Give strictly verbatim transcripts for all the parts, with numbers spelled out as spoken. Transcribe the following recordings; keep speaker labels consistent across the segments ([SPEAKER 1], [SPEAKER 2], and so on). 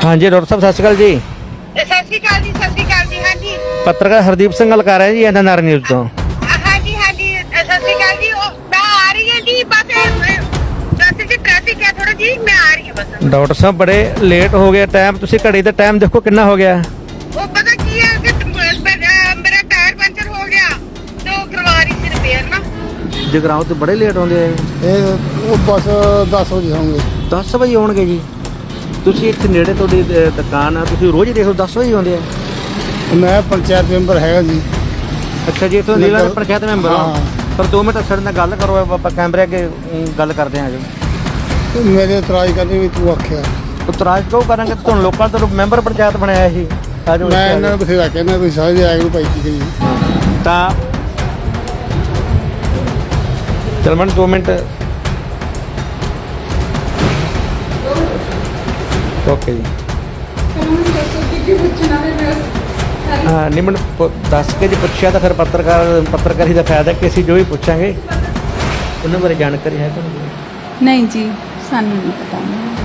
[SPEAKER 1] हाँ जी डॉक्टर साहब सत श्री अकाल जी।
[SPEAKER 2] सत श्री अकाल जी, सत श्री अकाल जी। हाँ जी,
[SPEAKER 1] पत्रकार हरदीप सिंह गल कर रहे हैं जी एन एन आर न्यूज़ तो।
[SPEAKER 2] हाँ जी, हाँ जी, सत श्री अकाल जी। ओ, मैं आ रही है जी, बस रास्ते से ट्रैफिक है थोड़ा जी, मैं आ रही हूँ बस।
[SPEAKER 1] डॉक्टर साहब बड़े लेट हो गया टाइम, तुसी घड़ी दा टाइम देखो कितना हो गया।
[SPEAKER 2] वो पता की है कि मेरा टायर पंचर हो गया तो करवा रही थी रिपेयर ना।
[SPEAKER 1] जगराओं तो बड़े लेट होंगे
[SPEAKER 3] ਇਹ ਉਹ ਬਸ ਦਸ ਵਜੇ ਹੋਣਗੇ।
[SPEAKER 1] दस बजे आउणगे जी। ਤੁਸੀਂ ਇੱਥੇ ਨੇੜੇ ਤੁਹਾਡੀ ਅ, ਦੁਕਾਨ ਆ, ਤੁਸੀਂ ਰੋਜ਼ ਹੀ ਦੇਖੋ ਦਸ ਵਜੇ ਆਉਂਦੇ ਆ।
[SPEAKER 3] ਮੈਂ ਪੰਚਾਇਤ ਮੈਂਬਰ ਹੈਗਾ ਜੀ।
[SPEAKER 1] ਅੱਛਾ ਜੀ, ਇੱਥੋਂ ਨੀਲਾ
[SPEAKER 3] ਨਗਰ-
[SPEAKER 1] ਪੰਚਾਇਤ ਮੈਂਬਰ ਹੋ।
[SPEAKER 3] ਹਾਂ।
[SPEAKER 1] ਪਰ ਦੋ ਮਿੰਟ ਸਾਡੇ ਨਾਲ ਗੱਲ ਕਰੋ, ਆਪਾਂ ਕੈਮਰੇ ਅੱਗੇ ਅਮ, ਗੱਲ ਕਰਦੇ ਹਾਂ ਜੀ।
[SPEAKER 3] ਤੇ ਮੇਰੇ ਇਤਰਾਜ਼ ਕਰਨੇ ਵੀ ਤੂੰ ਆਖਿਆ।
[SPEAKER 1] ਉਤਰਾਜ ਕਿਉਂ ਕਰਾਂਗੇ, ਤੁਹਾਨੂੰ ਲੋਕਾਂ ਤੋਂ ਮੈਂਬਰ ਪੰਚਾਇਤ ਬਣਾਇਆ ਸੀ। ਅੱਜ
[SPEAKER 3] ਮੈਂ ਇਹਨਾਂ ਨੂੰ ਬਥੇਰਾ ਕਹਿੰਦਾ ਤੁਸੀਂ ਸਾਰੇ ਆਏ ਨੂੰ ਭਾਈ ਕੀ ਕਰੀਏ।
[SPEAKER 1] ਤਾਂ ਚਲ ਮੈਂ ਦੋ ਮਿੰਟ ਓਕੇ ਜੀ। ਹਾਂ ਨਹੀਂ ਮੈਨੂੰ ਪੁ- ਦੱਸ ਕੇ ਜੇ ਪੁੱਛਿਆ ਤਾਂ ਫਿਰ ਪੱਤਰਕਾਰ ਪੱਤਰਕਾਰੀ ਦਾ ਫਾਇਦਾ ਕਿ ਅਸੀਂ ਜੋ ਵੀ ਪੁੱਛਾਂਗੇ ਉਹਨਾਂ ਬਾਰੇ ਜਾਣਕਾਰੀ ਹੈ ਤੁਹਾਨੂੰ।
[SPEAKER 4] ਨਹੀਂ ਜੀ, ਸਾਨੂੰ ਨਹੀਂ ਪਤਾ।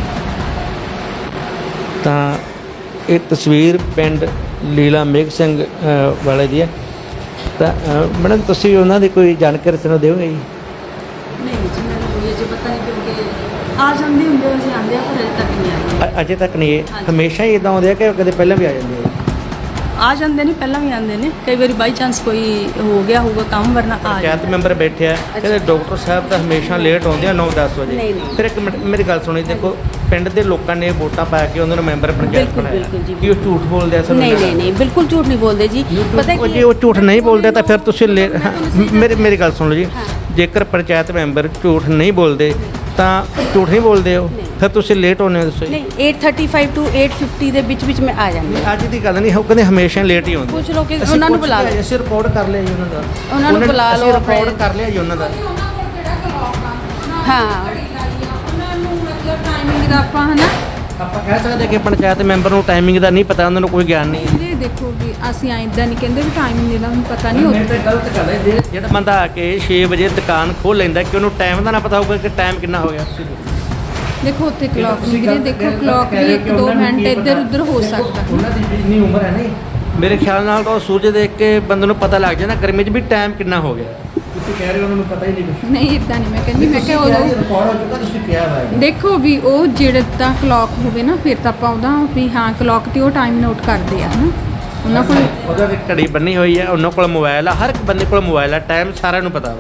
[SPEAKER 1] ਤਾਂ ਇਹ ਤਸਵੀਰ ਪਿੰਡ ਲੀਲਾ ਮੇਘ ਸਿੰਘ ਅ, ਵਾਲੇ ਦੀ ਹੈ। ਤਾਂ ਅ, ਮੈਡਮ ਤੁਸੀਂ ਉਹਨਾਂ ਦੀ ਕੋਈ ਜਾਣਕਾਰੀ ਸਾਨੂੰ ਦਿਓਗੇ ਜੀ?
[SPEAKER 4] ਨਹੀਂ ਜੀ, ਮੈਨੂੰ ਕੋਈ ਅਜੇ ਪਤਾ ਨਹੀਂ ਕਿਉਂਕਿ ਆ ਜਾਂਦੇ ਹੁੰਦੇ ਅਸੀਂ ਆਉਂਦੇ ਆ ਪਰ ਅਜੇ ਤੱਕ ਨਹੀਂ ਆਏ।
[SPEAKER 1] ਅ- ਅਜੇ ਤੱਕ ਨਹੀਂ ਇਹ
[SPEAKER 4] ਹਾਂਜੀ।
[SPEAKER 1] ਹਮੇਸ਼ਾ ਹੀ ਇਦਾਂ ਆਉਂਦੇ ਆ ਕਿ ਕਦੇ ਪਹਿਲਾਂ ਵੀ ਆ ਜਾਂਦੇ ਆ?
[SPEAKER 4] ਆ ਜਾਂਦੇ ਨੇ, ਪਹਿਲਾਂ ਵੀ ਆਉਂਦੇ ਨੇ, ਕਈ ਵਾਰੀ ਬਾਈ ਚਾਂਸ ਕੋਈ ਹੋ ਗਿਆ ਹੋਊਗਾ ਕੰਮ, ਵਰਨਾ ਆ
[SPEAKER 1] ਪੰਚਾਇਤ
[SPEAKER 4] ਜਾਂਦੇ।
[SPEAKER 1] ਮੈਂਬਰ ਬੈਠੇ ਆ ਕਹਿੰਦੇ ਡਾਕਟਰ ਸਾਹਿਬ ਤਾਂ ਹਮੇਸ਼ਾ ਲੇਟ ਆਉਂਦੇ ਆ ਨੌ ਦਸ ਵਜੇ।
[SPEAKER 4] ਨਹੀਂ, ਨਹੀਂ।
[SPEAKER 1] ਫਿਰ ਇੱਕ ਮਿੰਟ ਮੇਰੀ ਗੱਲ ਸੁਣੀ, ਦੇਖੋ ਪਿੰਡ ਦੇ ਲੋਕਾਂ ਨੇ ਵੋਟਾਂ ਪਾ ਕੇ ਉਹਨਾਂ ਨੂੰ ਮੈਂਬਰ ਪੰਚਾਇਤ
[SPEAKER 4] ਬਿਲਕੁਲ,
[SPEAKER 1] ਬਣਾਇਆ।
[SPEAKER 4] ਬਿਲਕੁਲ ਜੀ,
[SPEAKER 1] ਕੀ ਉਹ ਝੂਠ ਬੋਲਦੇ ਆ ਸਾਨੂੰ?
[SPEAKER 4] ਨਹੀਂ ਨਹੀਂ ਨਹੀਂ, ਬਿਲਕੁਲ ਝੂਠ ਨਹੀਂ ਬੋਲਦੇ ਜੀ। ਪਤਾ
[SPEAKER 1] ਉਹ
[SPEAKER 4] ਕੀ
[SPEAKER 1] ਜੇ ਉਹ ਝੂਠ ਨਹੀਂ ਬੋਲਦੇ ਤਾਂ ਫਿਰ ਤੁਸੀਂ ਲੇ- ਮੇਰੀ ਮੇਰੀ ਗੱਲ ਸੁਣ ਲਓ ਜੀ। ਜੇਕਰ ਪੰਚਾਇਤ ਮੈਂਬਰ ਝੂਠ ਨਹੀਂ ਬੋਲਦੇ ਤਾਂ ਝੂਠ ਨਹੀਂ ਬੋਲਦੇ ਹੋ, ਫਿਰ ਤੁਸੀਂ ਲੇਟ ਹੋਣੇ ਹੋ ਦੱਸੋ ਜੀ।
[SPEAKER 4] ਨਹੀਂ, ਅੱਠ ਥਰਟੀ ਫਾਈਵ ਟੂ ਅੱਠ ਫਿਫਟੀ ਦੇ ਵਿੱਚ ਵਿੱਚ ਮੈਂ ਆ ਜਾਂਦੀ ਹਾਂ।
[SPEAKER 1] ਅੱਜ ਦੀ ਗੱਲ ਨਹੀਂ, ਉਹ ਕਹਿੰਦੇ ਹਮੇਸ਼ਾ ਲੇਟ ਹੀ ਆਉਂਦੇ।
[SPEAKER 4] ਪੁੱਛ ਲਓ ਕਿ
[SPEAKER 1] ਅਸੀਂ
[SPEAKER 4] ਉਹਨਾਂ ਨੂੰ
[SPEAKER 1] ਪੁੱਛ
[SPEAKER 4] ਬੁਲਾ
[SPEAKER 1] ਲਿਆ ਜੀ,
[SPEAKER 4] ਲਓ।
[SPEAKER 1] ਅਸੀਂ ਰਿਪੋਰਟ ਕਰ ਲਿਆ ਜੀ ਉਹਨਾਂ ਦਾ।
[SPEAKER 4] ਉਹਨਾਂ ਨੂੰ ਬੁਲਾ
[SPEAKER 1] ਅਸੀਂ
[SPEAKER 4] ਲਓ
[SPEAKER 1] ਰਿਪੋਰਟ
[SPEAKER 4] ਆਪਣੇ-
[SPEAKER 1] ਕਰ ਲਿਆ ਜੀ ਉਹਨਾਂ ਦਾ।
[SPEAKER 4] ਹਾਂ,
[SPEAKER 5] ਉਹਨਾਂ ਨੂੰ ਮਤਲਬ ਟਾਈਮਿੰਗ ਦਾ ਆਪਾਂ ਹਨਾ
[SPEAKER 1] ਆਪਾਂ ਕਹਿ ਸਕਦੇ ਕਿ ਪੰਚਾਇਤ ਮੈਂਬਰ ਨੂੰ ਟਾਈਮਿੰਗ ਦਾ ਨਹੀਂ ਪਤਾ, ਉਹਨਾਂ ਨੂੰ ਕੋਈ ਗਿਆਨ ਨਹੀਂ ਹੈ।
[SPEAKER 5] ਕਹਿੰਦੇ ਦੇਖੋ ਵੀ ਅਸੀਂ ਐਦਾਂ ਨਹੀਂ ਕਹਿੰਦੇ ਵੀ ਟਾਈਮਿੰਗ ਦਾ ਹੁਣ ਪਤਾ ਨਹੀਂ
[SPEAKER 1] ਮੇਰੇ
[SPEAKER 5] ਹੁੰਦਾ।
[SPEAKER 1] ਤੇ ਗਲਤ ਗੱਲ ਹੈ ਜੇ- ਜਿਹੜਾ ਬੰਦਾ ਆ ਕੇ ਛੇ ਵਜੇ ਦੁਕਾਨ ਖੋਲ ਲੈਂਦਾ ਕਿ ਉਹਨੂੰ ਟਾਈਮ ਦਾ ਨਾ ਪਤਾ ਹੋਊਗਾ ਕਿ ਟਾਈਮ ਕਿੰਨਾ ਹੋ ਗਿਆ।
[SPEAKER 5] ਦੇਖੋ ਉੱਥੇ ਕਲੌਕ ਨਹੀਂ ਵੀਰੇ, ਦੇਖੋ ਕਲੌਕ ਵੀ ਇੱਕ ਦੋ ਮਿੰਟ ਇੱਧਰ ਉੱਧਰ ਹੋ ਸਕਦਾ।
[SPEAKER 1] ਉਹਨਾਂ ਦੀ ਜਿੰਨੀ ਉਮਰ ਹੈ ਨਹੀਂ, ਮੇਰੇ ਖਿਆਲ ਨਾਲ ਤਾਂ ਉਹ ਸੂਰਜ ਦੇਖ ਕੇ ਬੰਦੇ ਨੂੰ ਪਤਾ ਲੱਗ ਜਾਂਦਾ ਗਰਮੀ 'ਚ ਵੀ ਟਾਈਮ ਕਿੰਨਾ ਹੋ ਗਿਆ। ਤੁਸੀਂ ਕਹਿ ਰਹੇ ਹੋ ਉਹਨਾਂ ਨੂੰ ਪਤਾ ਹੀ ਨਹੀਂ ਕੁਛ।
[SPEAKER 5] ਨਹੀਂ ਇਦਾਂ ਨਹੀਂ ਮੈਂ ਕਹਿੰਦੀ, ਮੈਂ ਕਿਹਾ ਉਦੋਂ
[SPEAKER 1] ਰਿਕਾਰਡ ਹੋ ਚੁੱਕਾ, ਤੁਸੀਂ ਕਿਹਾ ਵਾ
[SPEAKER 5] ਦੇਖੋ ਵੀ ਉਹ ਜਿਹੜੇ ਤਾਂ ਕਲੌਕ ਹੋਵੇ ਨਾ ਫਿਰ ਤਾਂ ਆਪਾਂ ਉਹਦਾ ਵੀ ਹਾਂ ਕਲੌਕ ਤੇ ਉਹ ਟਾਈਮ ਨੋਟ ਕਰਦੇ ਆ ਹਨਾ। ਉਹਨਾਂ ਕੋਲ
[SPEAKER 1] ਉਹਦਾ ਵੀ ਘੜੀ ਬੰਨੀ ਹੋਈ ਹੈ, ਉਹਨਾਂ ਕੋਲ ਮੋਬਾਈਲ ਆ, ਹਰ ਇੱਕ ਬੰਦੇ ਕੋਲ ਮੋਬਾਈਲ ਆ, ਟਾਈਮ ਸਾਰਿਆਂ ਨੂੰ ਪਤਾ ਵਾ।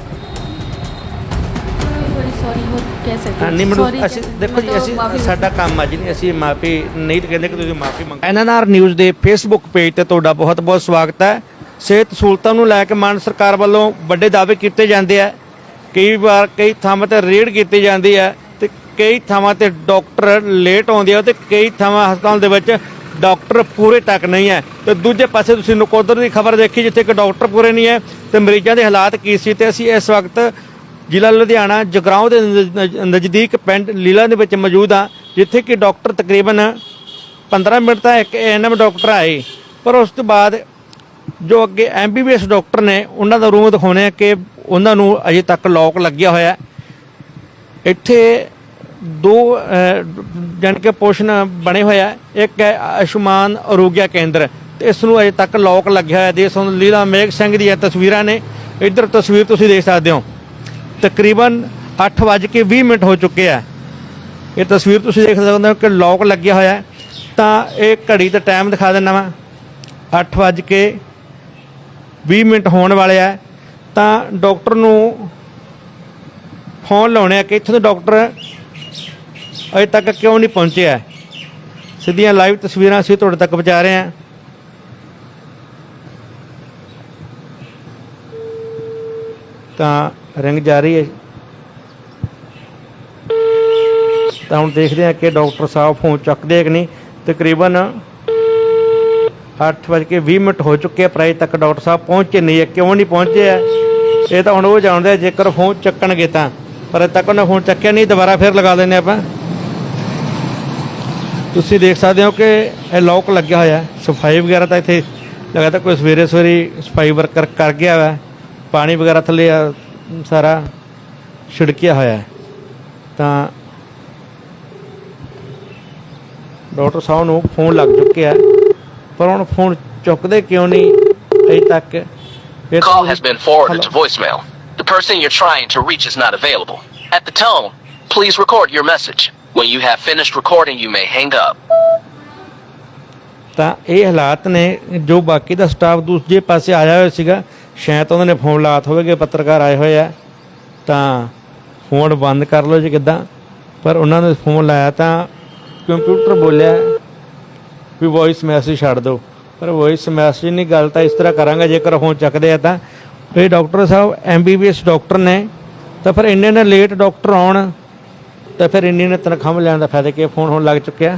[SPEAKER 4] ਸੌਰੀ ਹੋ ਕਹਿ ਸਕਦੇ
[SPEAKER 1] ਹਾਂ, ਨਹੀਂ ਮੈਨੂੰ
[SPEAKER 4] Sorry
[SPEAKER 1] ਅਸੀਂ
[SPEAKER 4] ਕਹਿ-
[SPEAKER 1] ਦੇਖੋ ਜੀ,
[SPEAKER 4] ਮਤਲਬ
[SPEAKER 1] ਅਸੀਂ
[SPEAKER 4] ਮਾਫ਼ੀ
[SPEAKER 1] ਸਾਡਾ ਕੰਮ ਅੱਜ ਨਹੀਂ, ਅਸੀਂ ਮਾਫੀ ਨਹੀਂ ਤਾਂ ਕਹਿੰਦੇ ਕਿ ਤੁਸੀਂ ਮਾਫੀ ਮੰਗੋ। ਐਨ ਐਨ ਆਰ ਨਿਊਜ਼ ਦੇ ਫੇਸਬੁੱਕ ਪੇਜ ਤੇ ਤੁਹਾਡਾ ਬਹੁਤ ਬਹੁਤ ਸਵਾਗਤ ਹੈ। ਸਿਹਤ ਸਹੂਲਤਾਂ ਨੂੰ ਲੈ ਕੇ ਮਾਨ ਸਰਕਾਰ ਵੱਲੋਂ ਵੱਡੇ ਦਾਅਵੇ ਕੀਤੇ ਜਾਂਦੇ ਆ। ਕਈ ਵਾਰ ਕਈ ਥਾਵਾਂ ਤੇ ਰੇਡ ਕੀਤੀ ਜਾਂਦੀ ਹੈ ਤੇ ਕਈ ਥਾਵਾਂ ਤੇ ਡਾਕਟਰ ਲੇਟ ਆਉਂਦੇ ਆ ਤੇ ਕਈ ਥਾਵਾਂ ਹਸਪਤਾਲ ਦੇ ਵਿੱਚ ਡਾਕਟਰ ਪੂਰੇ ਤੱਕ ਨਹੀਂ ਹੈ। ਤੇ ਦੂਜੇ ਪਾਸੇ ਤੁਸੀਂ ਨਕੋਦਰ ਦੀ ਖਬਰ ਦੇਖੀ ਜਿੱਥੇ ਕਿ ਡਾਕਟਰ ਪੂਰੇ ਨਹੀਂ ਹੈ ਤੇ ਮਰੀਜ਼ਾਂ ਦੇ ਹਾਲਾਤ ਕੀ ਸੀ। ਤੇ ਅਸੀਂ ਇਸ ਵਕਤ ਜ਼ਿਲ੍ਹਾ ਲੁਧਿਆਣਾ ਜਗਰਾਓਂ ਦੇ ਨਜ਼- ਨਜ਼ਦੀਕ ਪਿੰਡ ਲੀਲਾ ਦੇ ਵਿੱਚ ਮੌਜੂਦ ਹਾਂ, ਜਿੱਥੇ ਕਿ ਡਾਕਟਰ ਤਕਰੀਬਨ ਪੰਦਰਾਂ ਮਿੰਟ ਤਾਂ ਇੱਕ ਐਨ ਐਮ ਡਾਕਟਰ ਆਏ, ਪਰ ਉਸ ਤੋਂ ਬਾਅਦ ਜੋ ਅੱਗੇ M B B S doctor ਨੇ ਉਹਨਾਂ ਦਾ ਰੂਮ ਦਿਖਾਉਣੇ ਆ ਕਿ ਉਹਨਾਂ ਨੂੰ ਅਜੇ ਤੱਕ ਲੌਕ ਲੱਗਿਆ ਹੋਇਆ। ਇੱਥੇ ਦੋ ਜਾਣੀ ਕਿ ਪੋਰਸ਼ਨ ਬਣੇ ਹੋਇਆ, ਇੱਕ ਹੈ ਆਯੁਸ਼ਮਾਨ ਆਰੋਗਿਆ ਕੇਂਦਰ ਤੇ ਇਸ ਨੂੰ ਅਜੇ ਤੱਕ ਲੌਕ ਲੱਗਿਆ ਹੋਇਆ। ਦੇਖ ਸਕਦੇ ਲੀਲਾ ਮੇਘ ਸਿੰਘ ਦੀਆਂ ਤਸਵੀਰਾਂ ਨੇ, ਇੱਧਰ ਤਸਵੀਰ ਤੁਸੀਂ ਦੇਖ ਸਕਦੇ ਹੋ। ਤਕਰੀਬਨ ਅੱਠ ਵੱਜ ਕੇ ਵੀਹ ਮਿੰਟ ਹੋ ਚੁੱਕੇ ਆ। ਇਹ ਤਸਵੀਰ ਤੁਸੀਂ ਦੇਖ ਸਕਦੇ ਹੋ ਕਿ ਲੌਕ ਲੱਗਿਆ ਹੋਇਆ। ਤਾਂ ਇਹ ਘੜੀ ਦਾ ਟਾਈਮ ਦਿਖਾ ਦਿੰਦਾ ਵਾ, ਅੱਠ ਵੱਜ ਕੇ ਵੀਹ ਮਿੰਟ ਹੋਣ ਵਾਲੇ ਆ। ਤਾਂ ਡਾਕਟਰ ਨੂੰ ਫੋਨ ਲਾਉਣੇ ਆ ਕਿ ਇੱਥੋਂ ਦੇ ਡਾਕਟਰ ਅਜੇ ਤੱਕ ਕਿਉਂ ਨਹੀਂ ਪਹੁੰਚਿਆ। ਸਿੱਧੀਆਂ ਲਾਈਵ ਤਸਵੀਰਾਂ ਅਸੀਂ ਤੁਹਾਡੇ ਤੱਕ ਪਹੁੰਚਾ ਰਹੇ ਹਾਂ। ਤਾਂ ਰਿੰਗ ਜਾਰੀ ਹੈ। ਤਾਂ ਹੁਣ ਦੇਖਦੇ ਹਾਂ ਕਿ ਡਾਕਟਰ ਸਾਹਿਬ ਫੋਨ ਚੱਕਦੇ ਕਿ ਨਹੀਂ। ਤਕਰੀਬਨ ਅੱਠ ਵੱਜ ਕੇ ਵੀਹ ਮਿੰਟ ਹੋ ਚੁੱਕੇ ਆ, ਪਰ ਅਜੇ ਤੱਕ ਡਾਕਟਰ ਸਾਹਿਬ ਪਹੁੰਚੇ ਨਹੀਂ ਹੈ। ਕਿਉਂ ਨਹੀਂ ਪਹੁੰਚੇ ਆ ਇਹ ਤਾਂ ਹੁਣ ਉਹ ਜਾਣਦੇ ਆ, ਜੇਕਰ ਫੋਨ ਚੱਕਣਗੇ ਤਾਂ। ਪਰ ਅਜੇ ਤੱਕ ਉਹਨੇ ਫੋਨ ਚੱਕਿਆ ਨਹੀਂ। ਦੁਬਾਰਾ ਫਿਰ ਲਗਾ ਦਿੰਦੇ ਆਪਾਂ। ਤੁਸੀਂ ਦੇਖ ਸਕਦੇ ਹੋ ਕਿ ਇਹ ਲੌਕ ਲੱਗਿਆ ਹੋਇਆ। ਸਫਾਈ ਵਗੈਰਾ ਤਾਂ ਇੱਥੇ ਲਗਾਤਾਰ ਕੋਈ ਸਵੇਰੇ ਸਵੇਰੇ ਸਫਾਈ ਵਰਕਰ ਕਰ ਗਿਆ ਵਾ। ਪਾਣੀ ਵਗੈਰਾ ਥੱਲੇ ਆ ਸਾਰਾ ਛਿੜਕਿਆ ਹੋਇਆ। ਤਾਂ ਡਾਕਟਰ ਸਾਹਿਬ ਨੂੰ ਫੋਨ ਲੱਗ ਚੁੱਕਿਆ ਪਰ ਹੁਣ ਫੋਨ ਚੁੱਕਦੇ ਕਿਉਂ ਨਹੀਂ ਅਜੇ ਤੱਕ। ਫਿਰ
[SPEAKER 6] Call has been forwarded to voicemail. The person you're trying to reach is not available. At the tone, please record your message. When you have finished recording, you may hang up.
[SPEAKER 1] ਤਾਂ ਇਹ ਹਾਲਾਤ ਨੇ। ਜੋ ਬਾਕੀ ਦਾ staff ਦੂਜੇ ਪਾਸੇ ਆਇਆ ਹੋਇਆ ਸੀਗਾ, ਸ਼ਾਇਦ ਉਹਨਾਂ ਨੇ ਫੋਨ ਲਾਤ ਹੋਵੇਗੇ, ਪੱਤਰਕਾਰ ਆਏ ਹੋਏ ਆ ਤਾਂ ਫੋਨ ਬੰਦ ਕਰ ਲਓ ਜੀ ਕਿੱਦਾਂ। ਪਰ ਉਹਨਾਂ ਨੇ ਫੋਨ ਲਾਇਆ ਤਾਂ ਕੰਪਿਊਟਰ ਬੋਲਿਆ ਵੀ ਵੌਇਸ ਮੈਸੇਜ ਛੱਡ ਦਿਓ, ਪਰ ਵੌਇਸ ਮੈਸੇਜ ਨਹੀਂ। ਗੱਲ ਤਾਂ ਇਸ ਤਰ੍ਹਾਂ ਕਰਾਂਗਾ, ਜੇਕਰ ਫੋਨ ਚੱਕਦੇ ਆ ਤਾਂ ਇਹ ਡਾਕਟਰ ਸਾਹਿਬ M B B S doctor ਨੇ, ਤਾਂ ਫਿਰ ਇੰਨੇ ਨੇ ਲੇਟ ਡਾਕਟਰ ਆਉਣ ਤਾਂ ਫਿਰ ਇੰਨੀ ਨੇ ਤਨਖਾਹ ਲੈਣ ਦਾ ਫਾਇਦਾ ਕੀ। ਫੋਨ ਹੁਣ ਲੱਗ ਚੁੱਕਿਆ।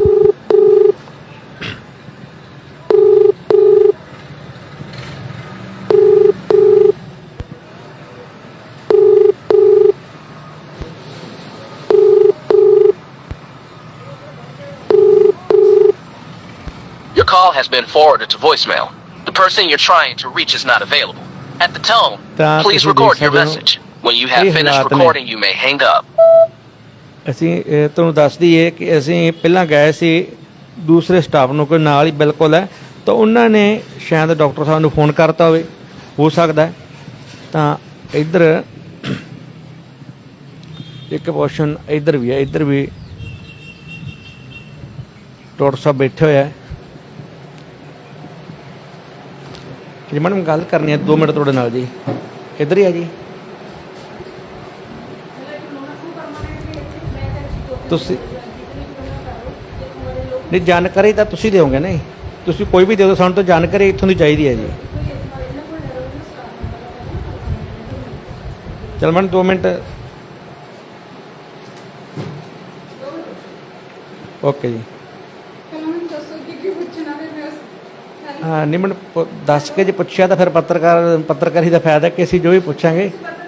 [SPEAKER 6] Your call has been forwarded to voicemail. The person you're trying to reach is not available. At the tone,
[SPEAKER 1] ਤਾਂ
[SPEAKER 6] please
[SPEAKER 1] ਤੁਸੀਂ
[SPEAKER 6] record
[SPEAKER 1] ਦੇਖ
[SPEAKER 6] your
[SPEAKER 1] ਸਕਦੇ ਹੋ
[SPEAKER 6] message. When you have
[SPEAKER 1] ਇਹ
[SPEAKER 6] finished
[SPEAKER 1] ਹਾਲਾਤ ਨੇ।
[SPEAKER 6] recording, you may hang up.
[SPEAKER 1] ਅਸੀਂ ਇਹ ਤੁਹਾਨੂੰ ਦੱਸ ਦਈਏ ਕਿ ਅਸੀਂ ਪਹਿਲਾਂ ਗਏ ਸੀ ਦੂਸਰੇ ਸਟਾਫ ਨੂੰ, ਕੋਈ ਨਾਲ ਹੀ ਬਿਲਕੁਲ ਹੈ, ਤਾਂ ਉਹਨਾਂ ਨੇ ਸ਼ਾਇਦ ਡਾਕਟਰ ਸਾਹਿਬ ਨੂੰ ਫੋਨ ਕਰਤਾ ਹੋਵੇ, ਹੋ ਸਕਦਾ ਹੈ। ਤਾਂ ਇੱਧਰ ਇੱਕ ਪੋਰਸ਼ਨ ਇੱਧਰ ਵੀ ਹੈ, ਇੱਧਰ ਵੀ ਡਾਕਟਰ ਸਾਹਿਬ ਬੈਠੇ ਹੋਏ ਆ ਜੀ। ਮੈਡਮ ਗੱਲ ਕਰਨੀ ਹੈ ਦੋ ਮਿੰਟ ਤੁਹਾਡੇ ਨਾਲ ਜੀ, ਇੱਧਰ ਹੀ ਆ ਜੀ। ਤੁਸੀਂ ਨਹੀਂ ਜਾਣਕਾਰੀ ਤਾਂ ਤੁਸੀਂ ਦਿਓਗੇ ਨਹੀਂ, ਤੁਸੀਂ ਕੋਈ ਵੀ ਦੇ ਦਿਓ, ਸਾਨੂੰ ਤਾਂ ਜਾਣਕਾਰੀ ਇੱਥੋਂ ਦੀ ਚਾਹੀਦੀ ਹੈ ਜੀ। ਚਲ ਮੈਡਮ ਦੋ ਮਿੰਟ ਓਕੇ ਜੀ। ਹਾਂ ਨਹੀਂ ਮੈਨੂੰ ਪੁ- ਦੱਸ ਕੇ ਜੇ ਪੁੱਛਿਆ ਤਾਂ ਫਿਰ ਪੱਤਰਕਾਰ ਪੱਤਰਕਾਰੀ ਦਾ ਫਾਇਦਾ ਕਿ ਅਸੀਂ ਜੋ ਵੀ ਪੁੱਛਾਂਗੇ।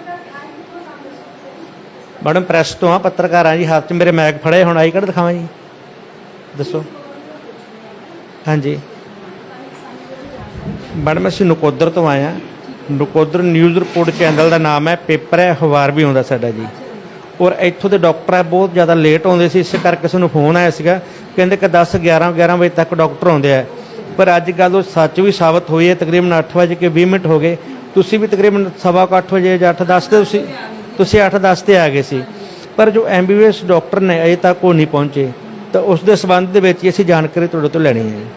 [SPEAKER 1] ਮੈਡਮ ਪ੍ਰੈਸ ਤੋਂ ਆ, ਪੱਤਰਕਾਰ ਆ ਜੀ, ਹੱਥ 'ਚ ਮੇਰੇ ਮੈਗ ਫੜੇ, ਹੁਣ ਆਈ ਕਾਰਡ ਦਿਖਾਵਾਂ ਜੀ, ਦੱਸੋ। ਹਾਂਜੀ ਮੈਡਮ ਅਸੀਂ ਨਕੋਦਰ ਤੋਂ ਆਏ ਹਾਂ। ਨਕੋਦਰ ਨਿਊਜ਼ ਰਿਪੋਰਟ ਚੈਨਲ ਦਾ ਨਾਮ ਹੈ, ਪੇਪਰ ਹੈ, ਅਖਬਾਰ ਵੀ ਆਉਂਦਾ ਸਾਡਾ ਜੀ। ਔਰ ਇੱਥੋਂ ਦੇ ਡਾਕਟਰ ਹੈ ਬਹੁਤ ਜ਼ਿਆਦਾ ਲੇਟ ਆਉਂਦੇ ਸੀ, ਇਸ ਕਰਕੇ ਸਾਨੂੰ ਫੋਨ ਆਇਆ ਸੀਗਾ, ਕਹਿੰਦੇ ਕਿ ਦਸ ਗਿਆਰਾਂ ਗਿਆਰਾਂ ਵਜੇ ਤੱਕ ਡਾਕਟਰ ਆਉਂਦੇ ਆ। ਪਰ ਅੱਜ ਗੱਲ ਉਹ ਸੱਚ ਵੀ ਸਾਬਤ ਹੋਈ ਹੈ। ਤਕਰੀਬਨ ਅੱਠ ਵਜੇ ਕੇ ਵੀਹ ਮਿੰਟ ਹੋ ਗਏ, ਤੁਸੀਂ ਵੀ ਤਕਰੀਬਨ ਸਵਾ ਕੁ ਅੱਠ ਵਜੇ ਜਾਂ ਅੱਠ ਦਸ ਤੇ ਤੁਸੀਂ ਤੁਸੀਂ ਅੱਠ ਦਸ ਤੇ ਆ ਗਏ ਸੀ, ਪਰ ਜੋ M B B S doctor ਨੇ ਅਜੇ ਤੱਕ ਉਹ ਨਹੀਂ ਪਹੁੰਚੇ। ਤਾਂ ਉਸ ਦੇ ਸੰਬੰਧ ਦੇ ਵਿੱਚ ਹੀ ਅਸੀਂ ਜਾਣਕਾਰੀ ਤੁਹਾਡੇ ਤੋਂ ਲੈਣੀ ਹੈ।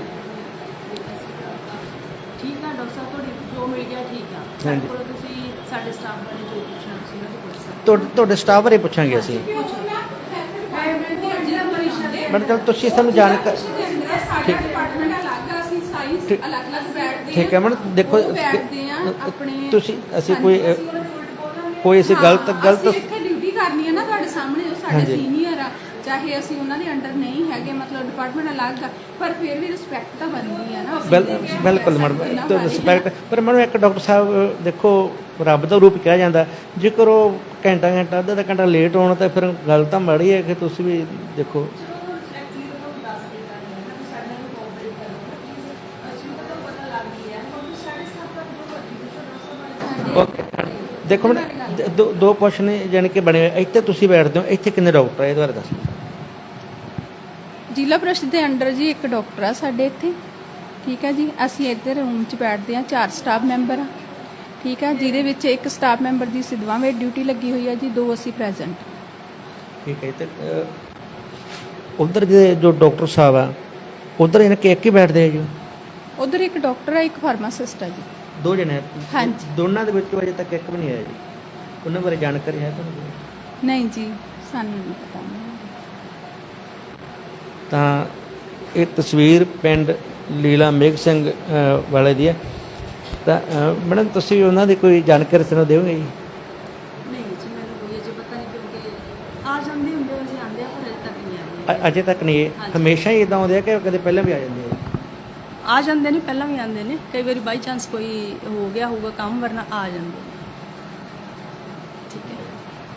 [SPEAKER 4] ਠੀਕ ਆ ਡਾਕਟਰ ਸਾਹਿਬ, ਤੁਹਾਡੀ ਜੋ ਮਿਲ ਗਿਆ ਠੀਕ ਆ।
[SPEAKER 1] ਹਾਂਜੀ।
[SPEAKER 4] ਕੋਲ ਤੁਸੀਂ ਸਾਡੇ ਸਟਾਫ ਬਾਰੇ ਜੋ ਪੁੱਛਣਾ ਸੀ ਉਹ ਪੁੱਛ ਸਕਦੇ
[SPEAKER 1] ਤੁਹਾਡੇ ਤੁਹਾਡੇ ਸਟਾਫ ਬਾਰੇ ਪੁੱਛਾਂਗੇ ਅਸੀਂ।
[SPEAKER 4] ਹੋ। ਜ਼ਿਲ੍ਹਾ ਪਰਿਸ਼ਦ ਦੇ
[SPEAKER 1] ਮੈਡਮ ਚਲੋ ਤੁਸੀਂ ਸਾਨੂੰ ਜਾਣਕਾਰੀ
[SPEAKER 5] ਸਾਡਾ ਡਿਪਾਰਟਮੈਂਟ ਅਲੱਗ ਆ, ਅਸੀਂ ਸਾਈਜ਼ ਅਲੱਗ-ਅਲੱਗ ਬੈਠਦੇ
[SPEAKER 1] ਠੀਕ ਹੈ ਮੈਡਮ। ਦੇਖੋ
[SPEAKER 5] ਉਹ ਬੈਠਦੇ ਆ ਆਪਣੇ
[SPEAKER 1] ਤੁਸੀਂ ਅਸੀਂ ਕੋਈ ਕੋਈ ਅਸੀਂ ਗਲਤ ਗਲਤ
[SPEAKER 5] ਅਸੀਂ ਇੱਥੇ ਡਿਊਟੀ ਕਰਨੀ ਹੈ ਨਾ ਤੁਹਾਡੇ ਸਾਹਮਣੇ, ਉਹ ਸਾਡੇ
[SPEAKER 1] ਹਾਂਜੀ।
[SPEAKER 5] ਸੀਨੀਅਰ ਆ, ਚਾਹੇ ਅਸੀਂ ਉਹਨਾਂ ਦੇ ਅੰਡਰ ਨਹੀਂ ਹੈਗੇ, ਮਤਲਬ ਡਿਪਾਰਟਮੈਂਟ ਅਲੱਗ ਆ, ਪਰ ਫਿਰ ਵੀ ਰਿਸਪੈਕਟ ਤਾਂ ਬਣਦੀ ਆ ਨਾ।
[SPEAKER 1] ਬਿਲ ਬਿਲਕੁਲ ਮੈਡਮ ਰਿਸਪੈਕਟ। ਪਰ ਮੈਨੂੰ ਇੱਕ ਡਾਕਟਰ ਸਾਹਿਬ ਦੇਖੋ ਰੱਬ ਦਾ ਰੂਪ ਕਿਹਾ ਜਾਂਦਾ, ਜੇਕਰ ਉਹ ਘੰਟਾ ਘੰਟਾ ਅੱਧਾ ਅੱਧਾ ਘੰਟਾ ਲੇਟ ਹੋਣ ਤਾਂ ਫਿਰ ਗੱਲ ਤਾਂ ਮਾੜੀ ਹੈ ਕਿ ਤੁਸੀਂ ਵੀ ਦੇਖੋ। ਓਕੇ ਦੇਖੋ ਮੈਡਮ ਦੋ ਦੋ ਕੁਐਸਚਨ ਜਾਣੀ ਕਿ ਬਣੇ ਹੋਏ। ਇੱਥੇ ਤੁਸੀਂ ਬੈਠਦੇ ਹੋ, ਇੱਥੇ ਕਿੰਨੇ ਡਾਕਟਰ ਆ ਇਹਦੇ ਬਾਰੇ ਦੱਸੋ।
[SPEAKER 5] ਜ਼ਿਲ੍ਹਾ ਪ੍ਰੀਸ਼ਦ ਦੇ ਅੰਡਰ ਜੀ ਇੱਕ ਡਾਕਟਰ ਆ ਸਾਡੇ ਇੱਥੇ, ਠੀਕ ਹੈ ਜੀ। ਅਸੀਂ ਇੱਧਰ ਰੂਮ 'ਚ ਬੈਠਦੇ ਆ, ਚਾਰ ਸਟਾਫ ਮੈਂਬਰ ਆ, ਠੀਕ ਆ, ਜਿਹਦੇ ਵਿੱਚ ਇੱਕ ਸਟਾਫ ਮੈਂਬਰ ਦੀ ਸਿੱਧਵਾਂ ਵੇ ਡਿਊਟੀ ਲੱਗੀ ਹੋਈ ਆ ਜੀ, ਦੋ ਅਸੀਂ ਪ੍ਰੈਜ਼ੈਂਟ।
[SPEAKER 1] ਠੀਕ ਹੈ। ਤੇ ਉਧਰ ਦੇ ਜੋ ਡਾਕਟਰ ਸਾਹਿਬ ਆ ਉਧਰ ਇਹਨਾਂ ਕੇ ਇੱਕ ਹੀ ਬੈਠਦੇ ਆ ਜੀ?
[SPEAKER 5] ਉਧਰ ਇੱਕ ਡਾਕਟਰ ਆ, ਇੱਕ ਫਾਰਮਾਸਿਸਟ ਆ ਜੀ।
[SPEAKER 1] ਦੋ ਜਣੇ ਆ?
[SPEAKER 5] ਹਾਂਜੀ।
[SPEAKER 1] ਦੋਨਾਂ ਦੇ ਵਿੱਚੋਂ ਅਜੇ ਤੱਕ ਇੱਕ ਵੀ ਨਹੀਂ ਆਇਆ ਜੀ? ਉਹਨਾਂ ਬਾਰੇ ਜਾਣਕਾਰੀ ਹੈ ਤੁਹਾਨੂੰ?
[SPEAKER 5] ਨਹੀਂ ਜੀ, ਸਾਨੂੰ ਨਹੀਂ ਪਤਾ।
[SPEAKER 1] ਤਾਂ ਇਹ ਤਸਵੀਰ ਪਿੰਡ ਲੀਲਾ ਮੇਘ ਸਿੰਘ ਅ, ਵਾਲੇ ਦੀ ਹੈ। ਤਾਂ ਅ, ਮੈਡਮ ਤੁਸੀਂ ਉਹਨਾਂ ਦੀ ਕੋਈ ਜਾਣਕਾਰੀ ਸਾਨੂੰ ਦਿਓਗੇ ਜੀ?
[SPEAKER 4] ਨਹੀਂ ਜੀ, ਮੈਨੂੰ ਕੋਈ ਅਜੇ ਪਤਾ ਨਹੀਂ, ਕਿਉਂਕਿ ਆ ਜਾਂਦੇ ਹੁੰਦੇ ਅਸੀਂ ਆਉਂਦੇ ਆ, ਪਰ ਅਜੇ ਤੱਕ ਨਹੀਂ ਆਏ।
[SPEAKER 1] ਅ- ਅਜੇ ਤੱਕ ਨਹੀਂ ਇਹ
[SPEAKER 4] ਹਾਂਜੀ।
[SPEAKER 1] ਹਮੇਸ਼ਾ ਹੀ ਇਦਾਂ ਹੁੰਦੇ ਆ ਕਿ ਕਦੇ ਪਹਿਲਾਂ ਵੀ ਆ ਜਾਂਦੇ ਆ?
[SPEAKER 4] ਆ ਜਾਂਦੇ ਨੇ, ਪਹਿਲਾਂ ਵੀ ਆਉਂਦੇ ਨੇ, ਕਈ ਵਾਰੀ ਬਾਈ ਚਾਂਸ ਕੋਈ ਹੋ ਗਿਆ ਹੋਊਗਾ ਕੰਮ, ਵਰਨਾ ਆ ਜਾਂਦੇ ਨੇ। ਠੀਕ ਹੈ।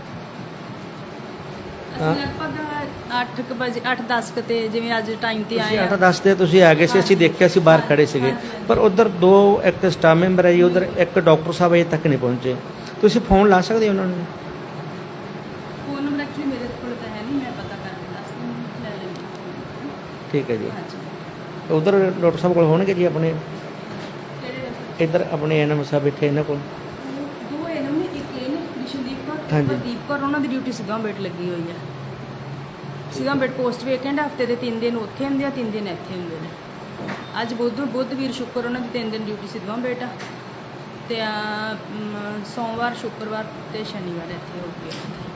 [SPEAKER 1] ਹਾਂ।
[SPEAKER 4] ਅਸੀਂ ਲਗਭਗ ਅੱਠ ਕੁ ਵਜੇ ਅੱਠ ਦਸ ਕੁ ਤੇ ਜਿਵੇਂ ਅੱਜ ਟਾਈਮ ਤੇ ਆਏ
[SPEAKER 1] ਤੁਸੀਂ
[SPEAKER 4] ਆ।
[SPEAKER 1] ਅੱਠ ਦਸ ਤੇ ਤੁਸੀਂ ਆ ਗਏ ਸੀ, ਅਸੀਂ ਦੇਖਿਆ ਸੀ ਬਾਹਰ ਖੜੇ ਸੀਗੇ, ਪਰ ਉਧਰ ਦੋ ਇੱਕ ਸਟਾਫ ਮੈਂਬਰ ਹੈ ਜੀ, ਉਧਰ ਇੱਕ ਡਾਕਟਰ ਸਾਹਿਬ ਅਜੇ ਤੱਕ ਨਹੀਂ ਪਹੁੰਚੇ। ਤੁਸੀਂ ਫੋਨ ਲਾ ਸਕਦੇ ਹੋ ਉਹਨਾਂ ਨੂੰ?
[SPEAKER 4] ਫੋਨ ਨੰਬਰ ਐਕਚੁਅਲੀ ਮੇਰੇ ਕੋਲ ਤਾਂ ਹੈ ਨਹੀਂ, ਮੈਂ ਪਤਾ ਕਰਕੇ ਦੱਸ ਦਿੰਦੀ, ਲੈ ਲੈਂਦੀ।
[SPEAKER 1] ਠੀਕ ਹੈ ਜੀ।
[SPEAKER 4] ਹਾਂਜੀ
[SPEAKER 1] ਉਧਰ ਡਾਕਟਰ ਸਾਹਿਬ ਕੋਲ ਹੋਣਗੇ ਜੀ ਆਪਣੇ ਇੱਧਰ ਆਪਣੇ ਐਨਐਮ ਸਾਹਿਬ ਇੱਥੇ ਇਹਨਾਂ ਕੋਲ
[SPEAKER 4] ਦੋ ਇਹਨਾਂ ਨੇ ਇੱਕ ਇਹ ਨੇ ਵਿਸ਼ਨਦੀਪ ਕੌਰ
[SPEAKER 1] ਹਾਂਜੀ।
[SPEAKER 4] ਪ੍ਰਦੀਪ ਕੌਰ, ਉਹਨਾਂ ਦੀ ਡਿਊਟੀ ਸਿੱਧਾਂ ਬੇਟ ਲੱਗੀ ਹੋਈ ਹੈ। ਸਿੱਧਾਂ ਬੇਟ ਪੋਸਟ ਵੇਕੈਂਟ, ਹਫਤੇ ਦੇ ਤਿੰਨ ਦਿਨ ਉੱਥੇ ਹੁੰਦੇ ਆ, ਤਿੰਨ ਦਿਨ ਇੱਥੇ ਹੁੰਦੇ ਨੇ। ਅੱਜ ਬੁੱਧ ਬੁੱਧ ਵੀਰ ਸ਼ੁੱਕਰ ਉਹਨਾਂ ਦੀ ਤਿੰਨ ਦਿਨ ਡਿਊਟੀ ਸਿੱਧਵਾਂ ਬੇਟ ਆ, ਤੇ ਅਹ, ਮ, ਸੋਮਵਾਰ ਸ਼ੁੱਕਰਵਾਰ ਤੇ ਸ਼ਨੀਵਾਰ ਇੱਥੇ ਹੋ ਗਏ।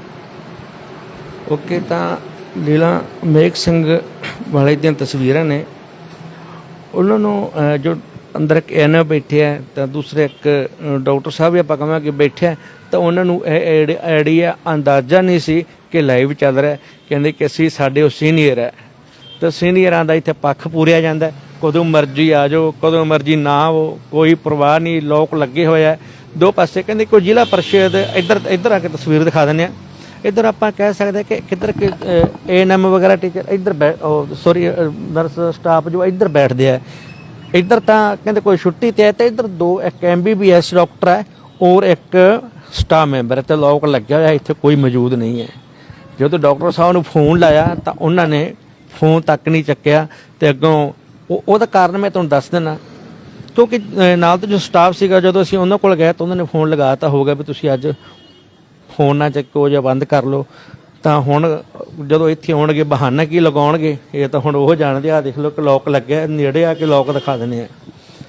[SPEAKER 1] ਓਕੇ, ਤਾਂ ਲੀਲਾ ਮੇਘ ਸਿੰਘ ਵਾਲੇ ਦੀਆਂ ਤਸਵੀਰਾਂ ਨੇ। ਉਹਨਾਂ ਨੂੰ ਅਹ, ਜੋ ਅੰਦਰ ਇੱਕ ਐਨ ਬੈਠੇ ਆ, ਤਾਂ ਦੂਸਰੇ ਇੱਕ ਅਹ, ਡਾਕਟਰ ਸਾਹਿਬ ਵੀ ਆਪਾਂ ਕਹਾਂਗੇ ਬੈਠੇ ਆ, ਤਾਂ ਉਹਨਾਂ ਨੂੰ ਇਹ ਆਈਡੀਆ ਅੰਦਾਜ਼ਾ ਨਹੀਂ ਸੀ ਕਿ ਲਾਈਵ ਚੱਲ ਰਿਹਾ। ਕਹਿੰਦੇ ਕਿ ਅਸੀਂ ਸਾਡੇ ਉਹ ਸੀਨੀਅਰ ਹੈ, ਤਾਂ ਸੀਨੀਅਰਾਂ ਦਾ ਇੱਥੇ ਪੱਖ ਪੂਰਿਆ ਜਾਂਦਾ, ਕਦੋਂ ਮਰਜ਼ੀ ਆ ਜਾਓ, ਕਦੋਂ ਮਰਜ਼ੀ ਨਾ ਆਓ, ਕੋਈ ਪਰਵਾਹ ਨਹੀਂ, ਲੋਕ ਲੱਗੇ ਹੋਏ ਆ ਦੋ ਪਾਸੇ। ਕਹਿੰਦੇ ਕੋਈ ਜ਼ਿਲ੍ਹਾ ਪਰਿਸ਼ਦ ਇੱਧਰ ਇੱਧਰ ਆ ਕੇ ਤਸਵੀਰ ਦਿਖਾ ਦਿੰਦੇ ਆ। ਇੱਧਰ ਆਪਾਂ ਕਹਿ ਸਕਦੇ ਕਿ ਕਿੱਧਰ ਕਿ ਏ ਐਨ ਐਮ ਵਗੈਰਾ ਟੀਚਰ ਇੱਧਰ ਸੌਰੀ ਨਰਸ ਸਟਾਫ ਜੋ ਇੱਧਰ ਬੈਠਦੇ ਆ। ਇੱਧਰ ਤਾਂ ਕਹਿੰਦੇ ਕੋਈ ਛੁੱਟੀ ਤੇ ਹੈ, ਤੇ ਇੱਧਰ ਦੋ ਇੱਕ M B B S doctor ਹੈ ਔਰ ਇੱਕ ਸਟਾਫ ਮੈਂਬਰ ਹੈ, ਤੇ ਲੋਕ ਲੱਗਿਆ ਹੋਇਆ, ਇੱਥੇ ਕੋਈ ਮੌਜੂਦ ਨਹੀਂ ਹੈ। ਜਦੋਂ ਡਾਕਟਰ ਸਾਹਿਬ ਨੂੰ ਫੋਨ ਲਾਇਆ ਤਾਂ ਉਹਨਾਂ ਨੇ ਫੋਨ ਤੱਕ ਨਹੀਂ ਚੱਕਿਆ, ਤੇ ਅੱਗੋਂ ਉਹ ਉਹਦਾ ਕਾਰਨ ਮੈਂ ਤੁਹਾਨੂੰ ਦੱਸ ਦਿੰਦਾ। ਕਿਉਂਕਿ ਨਾਲ ਤਾਂ ਜੋ ਸਟਾਫ ਸੀਗਾ, ਜਦੋਂ ਅਸੀਂ ਉਹਨਾਂ ਕੋਲ ਗਏ ਤਾਂ ਉਹਨਾਂ ਨੇ ਫੋਨ ਲਗਾਤਾ ਹੋ ਗਿਆ ਵੀ ਤੁਸੀਂ ਅੱਜ ਫੋਨ ਨਾ ਚੱਕੋ ਜਾਂ ਬੰਦ ਕਰ ਲਓ। ਤਾਂ ਹੁਣ ਜਦੋਂ ਇੱਥੇ ਆਉਣਗੇ ਬਹਾਨਾ ਕੀ ਲਗਾਉਣਗੇ, ਇਹ ਤਾਂ ਹੁਣ ਉਹ ਜਾਣਦੇ ਆ। ਦੇਖ ਲਓ ਕਿ ਲੋਕ ਲੱਗਿਆ, ਨੇੜੇ ਆ ਕੇ ਲੋਕ ਦਿਖਾ ਦਿੰਦੇ ਆ।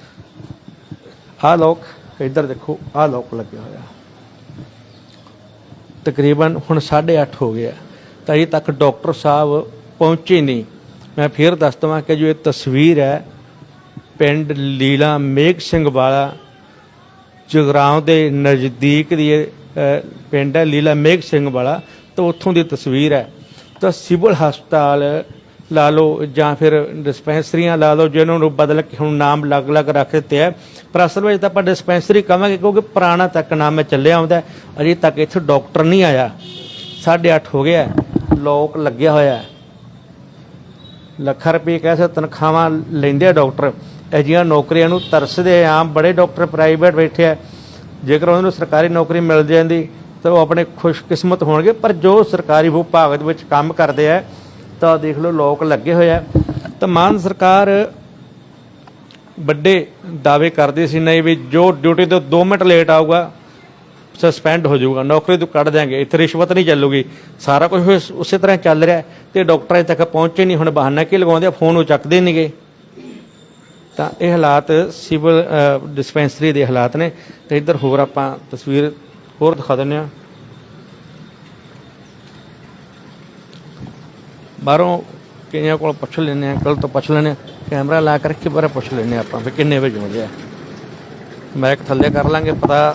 [SPEAKER 1] ਆਹ ਲੋਕ ਇੱਧਰ ਦੇਖੋ, ਆਹ ਲੋਕ ਲੱਗਿਆ ਹੋਇਆ। ਤਕਰੀਬਨ ਹੁਣ ਸਾਢੇ ਅੱਠ ਹੋ ਗਿਆ, ਤਾਂ ਅਜੇ ਤੱਕ ਡਾਕਟਰ ਸਾਹਿਬ ਪਹੁੰਚੇ ਨਹੀਂ। ਮੈਂ ਫਿਰ ਦੱਸ ਦੇਵਾਂ ਕਿ ਜੋ ਇਹ ਤਸਵੀਰ ਹੈ ਪਿੰਡ ਲੀਲਾ ਮੇਘ ਸਿੰਘ ਵਾਲਾ ਜਗਰਾਉਂ ਦੇ ਨਜ਼ਦੀਕ ਦੀ ਇਹ ਪਿੰਡ ਹੈ ਲੀਲਾ ਮੇਘ ਸਿੰਘ ਵਾਲਾ, ਤਾਂ ਉੱਥੋਂ ਦੀ ਤਸਵੀਰ ਹੈ। ਤਾਂ ਸਿਵਲ ਹਸਪਤਾਲ ਲਾ ਲਓ ਜਾਂ ਫਿਰ ਡਿਸਪੈਂਸਰੀਆਂ ਲਾ ਲਓ, ਜਿਹਨਾਂ ਨੂੰ ਬਦਲ ਕੇ ਹੁਣ ਨਾਮ ਅਲੱਗ-ਅਲੱਗ ਰੱਖ ਦਿੱਤੇ ਹੈ, ਪਰ ਅਸਲ ਵਿੱਚ ਤਾਂ ਆਪਾਂ ਡਿਸਪੈਂਸਰੀ ਕਹਾਂਗੇ ਕਿਉਂਕਿ ਪੁਰਾਣਾ ਤੱਕ ਨਾਮ ਚੱਲਿਆ ਆਉਂਦਾ। ਅਜੇ ਤੱਕ ਇੱਥੇ ਡਾਕਟਰ ਨਹੀਂ ਆਇਆ, ਸਾਢੇ ਅੱਠ ਹੋ ਗਿਆ, ਲੋਕ ਲੱਗਿਆ ਹੋਇਆ। ਲੱਖਾਂ ਰੁਪਏ ਕਹਿ ਸਕਦੇ ਤਨਖਾਹਾਂ ਲੈਂਦੇ ਆ ਡਾਕਟਰ। ਅਜਿਹੀਆਂ ਨੌਕਰੀਆਂ ਨੂੰ ਤਰਸਦੇ ਆਮ ਬੜੇ ਡਾਕਟਰ ਪ੍ਰਾਈਵੇਟ ਬੈਠੇ ਆ। ਜੇਕਰ ਉਹਨਾਂ ਨੂੰ ਸਰਕਾਰੀ ਨੌਕਰੀ ਮਿਲ ਜਾਂਦੀ ਤਾਂ ਉਹ ਆਪਣੇ ਖੁਸ਼ਕਿਸਮਤ ਹੋਣਗੇ, ਪਰ ਜੋ ਸਰਕਾਰੀ ਵਿਭਾਗ ਦੇ ਵਿੱਚ ਕੰਮ ਕਰਦੇ ਆ ਤਾਂ ਦੇਖ ਲਓ ਲੋਕ ਲੱਗੇ ਹੋਏ ਆ। ਤਾਂ ਮਾਨ ਸਰਕਾਰ ਵੱਡੇ ਦਾਅਵੇ ਕਰਦੀ ਸੀ, ਨਹੀਂ ਵੀ ਜੋ ਡਿਊਟੀ ਤੋਂ ਦੋ ਮਿੰਟ ਲੇਟ ਆਊਗਾ ਸਸਪੈਂਡ ਹੋ ਜਾਊਗਾ, ਨੌਕਰੀ ਤੋਂ ਕੱਢ ਦਿਆਂਗੇ, ਇੱਥੇ ਰਿਸ਼ਵਤ ਨਹੀਂ ਚੱਲੂਗੀ। ਸਾਰਾ ਕੁਝ ਉਸੇ ਤਰ੍ਹਾਂ ਚੱਲ ਰਿਹਾ, ਤੇ ਡਾਕਟਰਾਂ ਤੱਕ ਪਹੁੰਚੇ ਨਹੀਂ। ਹੁਣ ਬਹਾਨਾ ਕੀ ਲਗਾਉਂਦੇ ਆ, ਫੋਨ ਉਹ ਚੱਕਦੇ ਨਹੀਂ ਗੇ। ਤਾਂ ਇਹ ਹਾਲਾਤ ਸਿਵਲ ਡਿਸਪੈਂਸਰੀ ਦੇ ਹਾਲਾਤ ਨੇ। ਤੇ ਇੱਧਰ ਹੋਰ ਆਪਾਂ ਤਸਵੀਰ ਹੋਰ ਦਿਖਾ ਦਿੰਦੇ ਹਾਂ। ਬਾਹਰੋਂ ਕਈਆਂ ਕੋਲ ਪੁੱਛ ਲੈਂਦੇ ਹਾਂ, ਕੱਲ ਤੋਂ ਪੁੱਛ ਲੈਂਦੇ ਹਾਂ, ਕੈਮਰਾ ਲਾ ਕਰਕੇ ਬਾਰੇ ਪੁੱਛ ਲੈਂਦੇ ਹਾਂ ਆਪਾਂ ਵੀ ਕਿੰਨੇ ਵਜੇ ਹੋ ਗਿਆ। ਮੈਕ ਥੱਲੇ ਕਰ ਲਾਂਗੇ ਪਤਾ।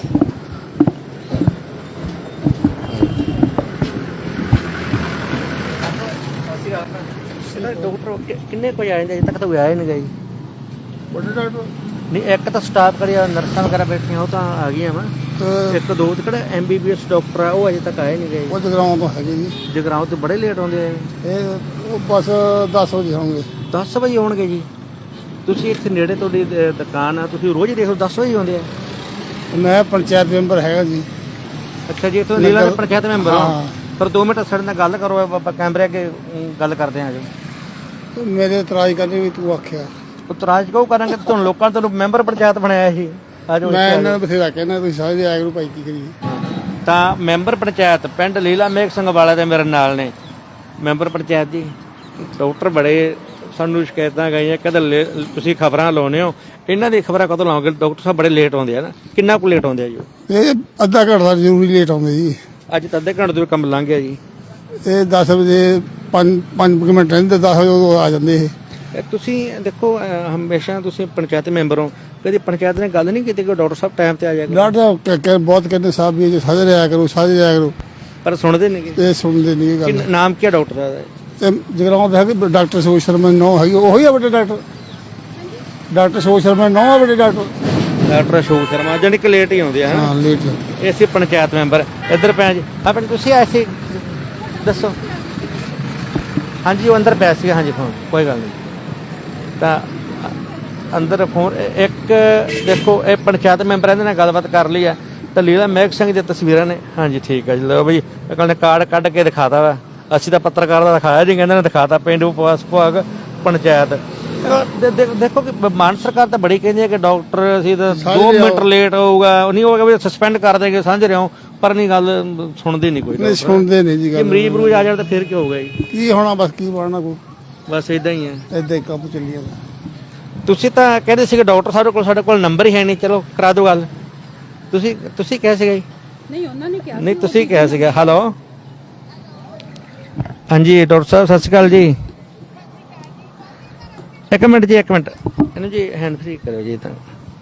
[SPEAKER 1] ਡਾਕਟਰ ਕਿੰਨੇ ਕੋਈ ਆਏ ਅਜੇ ਤੱਕ ਤਾਂ ਕੋਈ ਆਇਆ ਨਹੀਂ ਗਈ।
[SPEAKER 3] ਵੱਡੇ ਡਾਕਟਰ
[SPEAKER 1] ਨਹੀਂ, ਇੱਕ ਤਾਂ ਸਟਾਫ ਕਰਿਆ, ਨਰਸਾਂ ਵਗੈਰਾ ਬੈਠੀਆਂ ਉਹ ਤਾਂ ਆ ਗਈਆਂ ਵਾ। ਇੱਕ ਦੋ ਕਿਹੜਾ M B B S doctor ਆ ਉਹ ਅਜੇ ਤੱਕ ਆਏ ਨਹੀਂ ਗਏ।
[SPEAKER 3] ਉਹ ਜਗਰਾਉਂ ਤੋਂ ਹੈਗੇ ਜੀ।
[SPEAKER 1] ਜਗਰਾਉਂ ਤੋਂ ਬੜੇ ਲੇਟ ਆਉਂਦੇ ਆ
[SPEAKER 3] ਇਹ ਉਹ ਬਸ ਦਸ ਵਜੇ ਹੋਣਗੇ।
[SPEAKER 1] ਦਸ ਵਜੇ ਆਉਣਗੇ ਜੀ। ਤੁਸੀਂ ਇੱਥੇ ਨੇੜੇ ਤੁਹਾਡੀ ਦ- ਦੁਕਾਨ ਆ, ਤੁਸੀਂ ਰੋਜ਼ ਦੇਖ ਲਓ ਦਸ ਵਜੇ ਆਉਂਦੇ ਆ।
[SPEAKER 3] ਮੈਂ ਪੰਚਾਇਤ ਮੈਂਬਰ ਹੈਗਾ ਜੀ।
[SPEAKER 1] ਅੱਛਾ ਜੀ, ਇੱਥੋਂ ਲੀਲਾ ਦੇ ਪੰਚਾਇਤ ਮੈਂਬਰ
[SPEAKER 3] ਹਾਂ।
[SPEAKER 1] ਹੋ। ਪਰ ਦੋ ਮਿੰਟ ਸਾਡੇ ਨਾਲ ਗੱਲ ਕਰੋ, ਆਪਾਂ ਕੈਮਰੇ ਅੱਗੇ ਅਮ, ਗੱਲ ਕਰਦੇ ਹਾਂ ਜੀ।
[SPEAKER 3] ਤੇ ਮੇਰੇ ਇਤਰਾਜ਼ ਕਰਨੇ ਵੀ ਤੂੰ ਆਖਿਆ।
[SPEAKER 1] ਉਤਰਾਜ ਕਿਉਂ ਕਰਾਂਗੇ, ਤੁਹਾਨੂੰ ਲੋਕਾਂ ਨੇ ਤੁਹਾਨੂੰ ਮੈਂਬਰ ਪੰਚਾਇਤ ਬਣਾਇਆ ਸੀ। ਆਜੋ
[SPEAKER 3] ਮੈਂ ਇਹਨਾਂ ਨੂੰ ਬਥੇਰਾ ਕਹਿੰਦਾ ਤੁਸੀਂ ਸਾਰੇ ਆਇਆ ਕਰੋ ਭਾਈ, ਕੀ ਕਰੀਏ।
[SPEAKER 1] ਤਾਂ ਮੈਂਬਰ ਪੰਚਾਇਤ ਪਿੰਡ ਲੀਲਾ ਮੇਘ ਸਿੰਘ ਵਾਲਾ ਦੇ ਮੇਰੇ ਨਾਲ ਨੇ ਮੈਂਬਰ ਪੰਚਾਇਤ ਜੀ। ਡਾਕਟਰ ਬੜੇ ਸਾਨੂੰ ਸ਼ਿਕਾਇਤਾਂ ਗਈਆਂ, ਕਹਿੰਦੇ ਤੁਸੀਂ ਖਬਰਾਂ ਲਾਉਂਦੇ ਹੋ, ਇਹਨਾਂ ਦੀ ਖਬਰਾਂ ਕਦੋਂ ਲਾਓਗੇ? ਡਾਕਟਰ ਸਾਹਿਬ ਬੜੇ ਲੇਟ ਆਉਂਦੇ ਆ ਨਾ। ਕਿੰਨਾ ਕੁ ਲੇਟ ਆਉਂਦੇ ਆ ਜੀ?
[SPEAKER 3] ਇਹ ਅੱਧਾ ਘੰਟਾ ਜ਼ਰੂਰੀ ਲੇਟ ਆਉਂਦੇ ਜੀ।
[SPEAKER 1] ਅੱਜ ਤਾਂ ਅੱਧੇ ਘੰਟੇ ਤੋਂ ਕੰਮ ਲੰਘ ਗਿਆ ਜੀ।
[SPEAKER 3] ਇਹ ਦਸ ਵਜੇ ਪੰਜ ਪੰਜ ਕੁ ਮਿੰਟ ਰਹਿੰਦੇ, ਦਸ ਵਜੇ ਉਦੋਂ ਆ ਜਾਂਦੇ ਇਹ।
[SPEAKER 1] ਇਹ ਤੁਸੀਂ ਦੇਖੋ ਅਹ, ਹਮੇਸ਼ਾ ਤੁਸੀਂ ਪੰਚਾਇਤ ਮੈਂਬਰ ਹੋ, ਕਦੀ ਪੰਚਾਇਤ ਨੇ ਗੱਲ ਨਹੀਂ ਕੀਤੀ ਕਿ ਡਾਕਟਰ ਸਾਹਿਬ ਟਾਈਮ ਤੇ ਆ ਜਾਏਗਾ?
[SPEAKER 3] ਡਾਕਟਰ ਸਾਹਿਬ ਕਹਿ- ਕਹਿ- ਬਹੁਤ ਕਹਿੰਦੇ ਸਾਹਿਬ ਵੀ ਸਾਰੇ ਆਇਆ ਕਰੋ, ਸਾਰੇ ਆਇਆ ਕਰੋ,
[SPEAKER 1] ਪਰ ਸੁਣਦੇ ਨਹੀਂ।
[SPEAKER 3] ਇਹ ਸੁਣਦੇ ਨਹੀਂ ਇਹ ਗੱਲ।
[SPEAKER 1] ਨਾਮ ਕੀ ਹੈ ਡਾਕਟਰ ਦਾ?
[SPEAKER 3] ਇਹ ਜਗਰਾਉਂ ਦੇ ਹੈਗੇ ਡਾਕਟਰ ਸੋਚ ਸ਼ਰਮਾ ਨੌ ਹੈਗੀ, ਉਹੀ ਆ ਵੱਡੇ ਡਾਕਟਰ। ਡਾਕਟਰ ਸੋਚ ਸ਼ਰਮਾ ਨੌ ਆ ਵੱਡੇ ਡਾਕਟਰ।
[SPEAKER 1] ਡਾਕਟਰ ਅਸ਼ੋਕ ਸ਼ਰਮਾ, ਜਾਨੀ ਕਿ ਲੇਟ ਹੀ ਆਉਂਦੇ ਆ।
[SPEAKER 3] ਹਾਂ ਲੇਟ।
[SPEAKER 1] ਇਹ ਸੀ ਪੰਚਾਇਤ ਮੈਂਬਰ। ਇੱਧਰ ਪੈ ਜੀ ਆਪਣੇ ਤੁਸੀਂ ਆਏ ਸੀ, ਦੱਸੋ। ਹਾਂਜੀ ਉਹ ਅੰਦਰ ਪਿਆ ਸੀਗਾ। ਹਾਂਜੀ ਫੋਨ ਕੋਈ ਗੱਲ ਨਹੀਂ। ਤਾਂ ਅੰਦਰ ਫੋਨ ਇੱਕ ਦੇਖੋ, ਇਹ ਪੰਚਾਇਤ ਮੈਂਬਰ ਇਹਦੇ ਨਾਲ ਗੱਲਬਾਤ ਕਰ ਲਈ ਆ। ਤਾਂ ਲੀਲਾ ਮੇਘ ਸਿੰਘ ਦੀਆਂ ਤਸਵੀਰਾਂ ਨੇ। ਹਾਂਜੀ ਠੀਕ ਹੈ ਜੀ, ਲਓ ਬਈ ਕੱਲ ਨੇ ਕਾਰਡ ਕੱਢ ਕੇ ਦਿਖਾਤਾ ਵਾ। ਅਸੀਂ ਤਾਂ ਪੱਤਰਕਾਰ ਦਾ ਦਿਖਾਇਆ ਜੀ, ਕਹਿੰਦੇ ਨੇ ਦਿਖਾਤਾ। ਪਿੰਡ ਵਿਕਾਸ ਵਿਭਾਗ ਪੰਚਾਇਤ ਅਹ ਦੇ- ਦੇ- ਦੇਖੋ ਕਿ ਮਾਨ ਸਰਕਾਰ ਤਾਂ ਬੜੀ ਕਹਿੰਦੀ ਹੈ ਕਿ ਡਾਕਟਰ ਅਸੀਂ ਤਾਂ
[SPEAKER 3] ਸਾਰੇ
[SPEAKER 1] ਦੋ ਮਿੰਟ
[SPEAKER 3] ਲਿਆਓ।
[SPEAKER 1] ਲੇਟ ਹੋਊਗਾ ਉਹ ਨਹੀਂ ਹੋਗਾ ਵੀ ਸਸਪੈਂਡ ਕਰ ਦੇਗੇ ਸਮਝ ਰਹੇ ਹੋ ਪਰ ਨਹੀਂ ਗੱਲ ਸੁਣਦੀ ਨਹੀਂ ਕੋਈ
[SPEAKER 3] ਨਹੀਂ
[SPEAKER 1] ਡਾਕਟਰ।
[SPEAKER 3] ਸੁਣਦੇ ਨਹੀਂ ਜੀ
[SPEAKER 1] ਜੇ
[SPEAKER 3] ਗੱਲ
[SPEAKER 1] ਮਰੀਜ਼ ਮਰੂਜ ਆ ਜਾਣ ਤਾਂ ਫਿਰ ਕੀ ਹੋਊਗਾ ਜੀ
[SPEAKER 3] ਕੀ ਹੋਣਾ ਬਸ ਕੀ ਬਣਨਾ ਕੋਈ
[SPEAKER 1] ਬਸ ਇਦਾਂ ਹੀ ਹੈ।
[SPEAKER 3] ਏਦਾਂ ਹੀ ਕੰਮ ਚੱਲੀ ਜਾਂਦਾ।
[SPEAKER 1] ਤੁਸੀਂ ਤਾਂ ਕਹਿੰਦੇ ਸੀਗੇ ਡਾਕਟਰ ਸਾਡੇ ਕੋਲ ਸਾਡੇ ਕੋਲ ਨੰਬਰ ਹੀ ਹੈ ਨਹੀਂ ਚਲੋ ਕਰਾ ਦਿਓ ਗੱਲ ਤੁਸੀਂ ਤੁਸੀਂ ਕਿਹਾ ਸੀਗਾ ਜੀ
[SPEAKER 5] ਨਹੀਂ ਉਹਨਾਂ ਨੇ ਕਿਹਾ
[SPEAKER 1] ਨਹੀਂ ਤੁਸੀਂ ਕਿਹਾ ਸੀਗਾ ਹੈਲੋ ਹਾਂਜੀ ਡਾਕਟਰ ਸਾਹਿਬ ਸਤਿ ਸ਼੍ਰੀ ਅਕਾਲ ਜੀ ਇੱਕ ਮਿੰਟ ਜੀ ਇੱਕ ਮਿੰਟ ਇਹਨੂੰ ਜੀ ਹੈਂਡ ਫ੍ਰੀ ਕਰਿਓ ਜੀ ਤਾਂ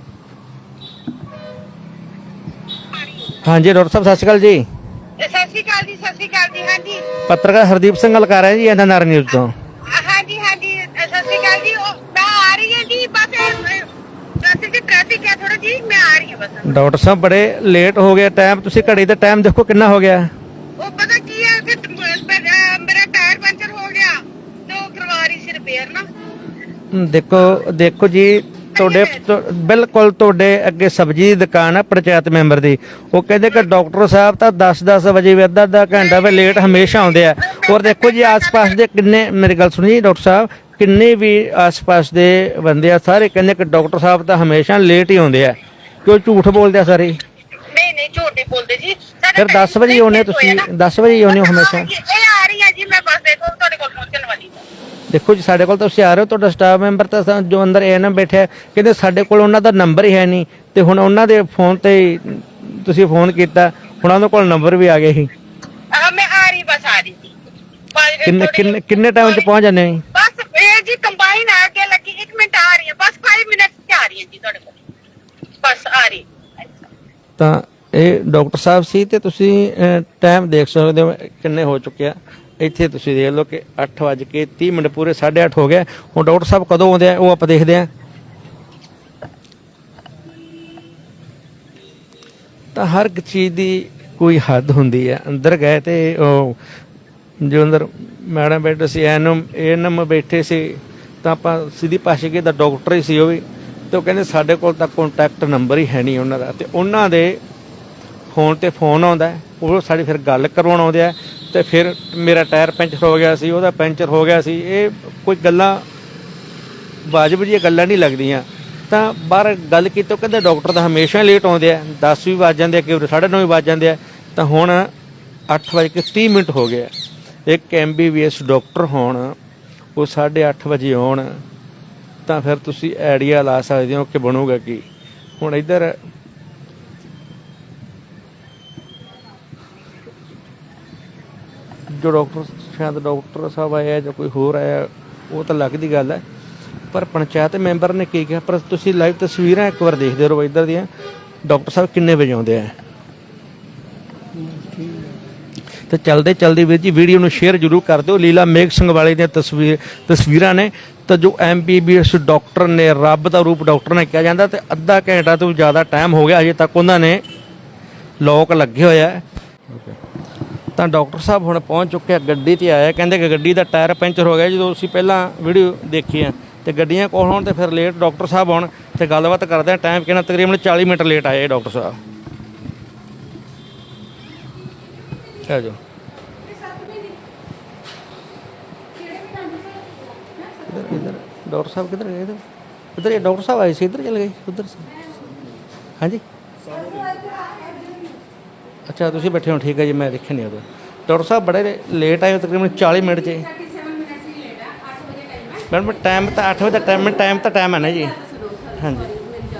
[SPEAKER 1] ਹਾਂਜੀ ਡਾਕਟਰ ਸਾਹਿਬ ਸਤਿ ਸ਼੍ਰੀ ਅਕਾਲ ਜੀ
[SPEAKER 2] ਸਤਿ ਸ਼੍ਰੀ ਅਕਾਲ ਜੀ ਸਤਿ ਸ਼੍ਰੀ ਅਕਾਲ ਜੀ ਹਾਂਜੀ
[SPEAKER 1] ਪੱਤਰਕਾਰ ਹਰਦੀਪ ਸਿੰਘ ਗੱਲ ਕਰ ਰਿਹਾ ਜੀ ਐਨ ਆਰ ਨਿਊਜ਼ ਤੋਂ
[SPEAKER 2] ਹਾਂਜੀ ਹਾਂਜੀ ਸਤਿ ਸ਼੍ਰੀ ਅਕਾਲ ਜੀ ਉਹ ਮੈਂ ਆ ਰਹੀ ਹਾਂ ਜੀ ਬਸ ਰਸਤੇ 'ਚ ਟ੍ਰੈਫਿਕ ਹੈ ਥੋੜਾ ਜੀ ਮੈਂ ਆ ਰਹੀ ਹਾਂ ਬਸ
[SPEAKER 1] ਡਾਕਟਰ ਸਾਹਿਬ ਬੜੇ ਲੇਟ ਹੋ ਗਏ ਟਾਈਮ ਤੁਸੀਂ ਘੜੀ ਦਾ ਟਾਈਮ ਦੇਖੋ ਕਿੰਨਾ ਹੋ ਗਿਆ
[SPEAKER 2] ਉਹ ਪਤਾ ਕੀ ਹੈ ਕਿ ਮੇਰਾ ਟਾਇਰ ਪੰਚਰ ਹੋ ਗਿਆ ਤੇ ਉਹ ਕਰਵਾ ਰਹੀ ਸੀ ਰਿਪੇਅਰ ਨਾ
[SPEAKER 1] ਹਮ, ਦੇਖੋ ਦੇਖੋ ਜੀ ਤੁਹਾਡੇ ਤੁ- ਬਿਲਕੁਲ ਤੁਹਾਡੇ ਅੱਗੇ ਸਬਜ਼ੀ ਦੀ ਦੁਕਾਨ ਆ ਪੰਚਾਇਤ ਮੈਂਬਰ ਦੀ ਉਹ ਕਹਿੰਦੇ ਕਿ ਡਾਕਟਰ ਸਾਹਿਬ ਤਾਂ ਦਸ ਦਸ ਵਜੇ ਵੀ ਅੱਧਾ ਅੱਧਾ ਘੰਟਾ ਵੀ ਲੇਟ ਹਮੇਸ਼ਾ ਆਉਂਦੇ ਆ ਔਰ ਦੇਖੋ ਜੀ ਆਸ-ਪਾਸ ਦੇ ਕਿੰਨੇ ਮੇਰੀ ਗੱਲ ਸੁਣੀ ਡਾਕਟਰ ਸਾਹਿਬ ਕਿੰਨੇ ਵੀ ਆਸ-ਪਾਸ ਦੇ ਬੰਦੇ ਆ ਸਾਰੇ ਕਹਿੰਦੇ ਕਿ ਡਾਕਟਰ ਸਾਹਿਬ ਤਾਂ ਹਮੇਸ਼ਾ ਲੇਟ ਹੀ ਆਉਂਦੇ ਆ ਕਿਉਂ ਝੂਠ ਬੋਲਦੇ ਆ ਸਾਰੇ
[SPEAKER 2] ਨਹੀਂ ਨਹੀਂ ਝੂਠ ਨਹੀਂ ਬੋਲਦੇ ਜੀ ਸਾਡਾ
[SPEAKER 1] ਫਿਰ ਦਸ ਵਜੇ ਹੀ ਆਉਂਦੇ ਤੁਸੀਂ ਦਸ ਵਜੇ ਹੀ ਆਉਂਦੇ ਹੋ ਹਮੇਸ਼ਾ
[SPEAKER 2] ਇਹ ਆ ਰਹੀ ਹੈ ਜੀ ਮੈਂ ਬਸ ਦੇਖੋ ਤੁਹਾਡੇ ਕੋਲ ਪਹੁੰਚਣ ਵਾਲੀ ਹਾਂ
[SPEAKER 1] ਦੇਖੋ ਜੀ ਸਾਡੇ ਕੋਲ ਤਾਂ ਤੁਸੀਂ ਆ ਰਹੇ ਹੋ ਤੁਹਾਡਾ ਸਟਾਫ ਮੈਂਬਰ ਤਾਂ ਸਾ- ਜੋ ਅੰਦਰ ਏ ਐਨ ਐਮ ਬੈਠਿਆ ਕਹਿੰਦੇ ਸਾਡੇ ਕੋਲ ਉਹਨਾਂ ਦਾ ਨੰਬਰ ਹੀ ਹੈ ਨਹੀਂ ਤੇ ਹੁਣ ਉਹਨਾਂ ਦੇ ਫੋਨ ਤੇ ਹੀ ਤੁਸੀਂ ਫੋਨ ਕੀਤਾ ਹੁਣ ਉਹਨਾਂ ਕੋਲ ਨੰਬਰ ਵੀ ਆ ਗਿਆ ਸੀ
[SPEAKER 2] ਆਹ ਮੈਂ ਆ ਰਹੀ ਬਸ ਆ ਰਹੀ ਸੀ ਬਸ
[SPEAKER 1] ਕਿੰਨੇ
[SPEAKER 2] ਥੋੜ੍ਹੀ-
[SPEAKER 1] ਕਿੰਨੇ ਕਿੰਨੇ ਟਾਈਮ 'ਚ ਪਹੁੰਚ ਜਾਂਦੇ ਹੋ ਜੀ?
[SPEAKER 2] ਬਸ ਇਹ ਜੀ ਕੰਬਾਈਨ ਆ ਕੇ ਲੱਗੀ ਇੱਕ ਮਿੰਟ ਆ ਰਹੀ ਹੈ ਬਸ ਪੰਜ ਮਿੰਟ ਚ ਆ ਰਹੀ ਹੈ ਜੀ ਤੁਹਾਡੇ ਕੋਲ ਬਸ ਆ ਰਹੀ
[SPEAKER 1] ਤਾਂ ਇਹ ਡਾਕਟਰ ਸਾਹਿਬ ਸੀ ਤੇ ਤੁਸੀਂ ਟਾਈਮ ਦੇਖ ਸਕਦੇ ਹੋ ਕਿੰਨੇ ਹੋ ਚੁੱਕੇ ਆ ਇੱਥੇ ਤੁਸੀਂ ਦੇਖ ਲਓ ਕਿ ਅੱਠ ਵੱਜ ਕੇ ਤੀਹ ਮਿੰਟ ਪੂਰੇ ਸਾਢੇ ਅੱਠ ਹੋ ਗਏ ਹੁਣ ਡਾਕਟਰ ਸਾਹਿਬ ਕਦੋਂ ਆਉਂਦੇ ਆ ਉਹ ਆਪਾਂ ਦੇਖਦੇ ਆ ਤਾਂ ਹਰ ਇੱਕ ਚੀਜ਼ ਦੀ ਕੋਈ ਹੱਦ ਹੁੰਦੀ ਹੈ ਅੰਦਰ ਗਏ ਤੇ ਉਹ ਜੋ ਅੰਦਰ ਮੈਡਮ ਬੈਠੇ ਸੀ ਐਨਮ ਐਨਮ ਬੈਠੇ ਸੀ ਤਾਂ ਆਪਾਂ ਸਿੱਧੀ ਪਾਸ਼ੇਗੇ ਦਾ ਡਾਕਟਰ ਹੀ ਸੀ ਉਹ ਵੀ ਤੇ ਉਹ ਕਹਿੰਦੇ ਸਾਡੇ ਕੋਲ ਤਾਂ ਕੰਟੈਕਟ ਨੰਬਰ ਹੀ ਹੈ ਨਹੀਂ ਉਹਨਾਂ ਦਾ ਤੇ ਉਹਨਾਂ ਦੇ ਫੋਨ ਤੇ ਫੋਨ ਆਉਂਦਾ ਹੈ, ਉਹ ਸਾਡੀ ਫਿਰ ਗੱਲ ਕਰਵਾਉਣ ਆਉਂਦੇ ਆ ਤੇ ਫਿਰ ਮੇਰਾ ਟਾਇਰ ਪੈਂਚਰ ਹੋ ਗਿਆ ਸੀ ਉਹਦਾ ਪੈਂਚਰ ਹੋ ਗਿਆ ਸੀ ਇਹ ਕੋਈ ਗੱਲਾਂ ਵਾਜਬ ਜਿਹੀਆਂ ਗੱਲਾਂ ਨਹੀਂ ਲੱਗਦੀਆਂ ਤਾਂ ਬਾਹਰ ਗੱਲ ਕੀਤੀ ਉਹ ਕਹਿੰਦੇ ਡਾਕਟਰ ਤਾਂ ਹਮੇਸ਼ਾ ਲੇਟ ਆਉਂਦੇ ਆ ਦਸ ਵੀ ਵੱਜ ਜਾਂਦੇ ਆ ਕਈ ਵਾਰ ਸਾਢੇ ਨੌ ਵੀ ਵੱਜ ਜਾਂਦੇ ਆ ਤਾਂ ਹੁਣ ਅੱਠ ਵੱਜ ਕੇ ਤੀਹ ਮਿੰਟ ਹੋ ਗਏ ਆ ਇੱਕ M B B S doctor ਹੋਣ ਉਹ ਸਾਢੇ ਅੱਠ ਵਜੇ ਆਉਣ ਤਾਂ ਫਿਰ ਤੁਸੀਂ ਆਈਡੀਆ ਲਾ ਸਕਦੇ ਹੋ ਕਿ ਬਣੂਗਾ ਕੀ ਹੁਣ ਇੱਧਰ ਜੋ ਡਾਕਟਰ ਸ਼ਾਇਦ ਡਾਕਟਰ ਸਾਹਿਬ ਆਇਆ ਜਾਂ ਕੋਈ ਹੋਰ ਆਇਆ ਉਹ ਤਾਂ ਲੱਗਦੀ ਗੱਲ ਹੈ ਪਰ ਪੰਚਾਇਤ ਮੈਂਬਰ ਨੇ ਕੀ ਕਿਹਾ ਪਰ ਤੁਸੀਂ ਲਾਈਵ ਤਸਵੀਰਾਂ ਇੱਕ ਵਾਰ ਦੇਖਦੇ ਰਹੋ ਇੱਧਰ ਦੀਆਂ ਡਾਕਟਰ ਸਾਹਿਬ ਕਿੰਨੇ ਵਜੇ ਆਉਂਦੇ ਆ ਤੇ ਚਲਦੇ ਚਲਦੇ ਵੀਰ ਜੀ ਵੀਡੀਓ ਨੂੰ ਸ਼ੇਅਰ ਜ਼ਰੂਰ ਕਰ ਦਿਓ ਲੀਲਾ ਮੇਘ ਸਿੰਘ ਵਾਲੇ ਦੀਆਂ ਤਸਵੀਰ ਤਸਵੀਰਾਂ ਨੇ ਤਾਂ ਜੋ M B B S doctor ਨੇ ਰੱਬ ਦਾ ਰੂਪ ਡਾਕਟਰ ਨੇ ਕਿਹਾ ਜਾਂਦਾ ਤੇ ਅੱਧਾ ਘੰਟਾ ਤੋਂ ਜ਼ਿਆਦਾ ਟਾਈਮ ਹੋ ਗਿਆ ਅਜੇ ਤੱਕ ਉਹਨਾਂ ਨੇ ਲੋਕ ਲੱਗੇ ਹੋਇਆ ਹੈ ਤਾਂ ਡਾਕਟਰ ਸਾਹਿਬ ਹੁਣ ਪਹੁੰਚ ਚੁੱਕੇ ਆ ਗੱਡੀ ਤੇ ਆਇਆ ਕਹਿੰਦੇ ਕਿ ਗੱਡੀ ਦਾ ਟਾਇਰ ਪੈਂਚਰ ਹੋ ਗਿਆ ਜਦੋਂ ਅਸੀਂ ਪਹਿਲਾਂ ਵੀਡੀਓ ਦੇਖੀ ਆ ਤੇ ਗੱਡੀਆਂ ਕੋਲ ਹੋਣ ਤੇ ਫਿਰ ਲੇਟ ਡਾਕਟਰ ਸਾਹਿਬ ਆਉਣ ਤੇ ਗੱਲਬਾਤ ਕਰਦੇ ਆ ਟਾਈਮ ਕਿੰਨਾ ਤਕਰੀਬਨ ਚਾਲੀ ਮਿੰਟ ਲੇਟ ਆਏ ਡਾਕਟਰ ਸਾਹਿਬ ਆ ਜਾਓ इधर इधर डॉक्टर साहब किधर गए इधर इधर ये डॉक्टर साहब आए थे इधर चले गए उधर से हाँ जी अच्छा तुम बैठे हो ठीक है जी मैं देखे नहीं उधर डॉक्टर साहब बड़े लेट आए तकरीबन चाली मिनट से मैडम टाइम तो अठ बजे टाइम टाइम तो टाइम है ना जी हाँ जी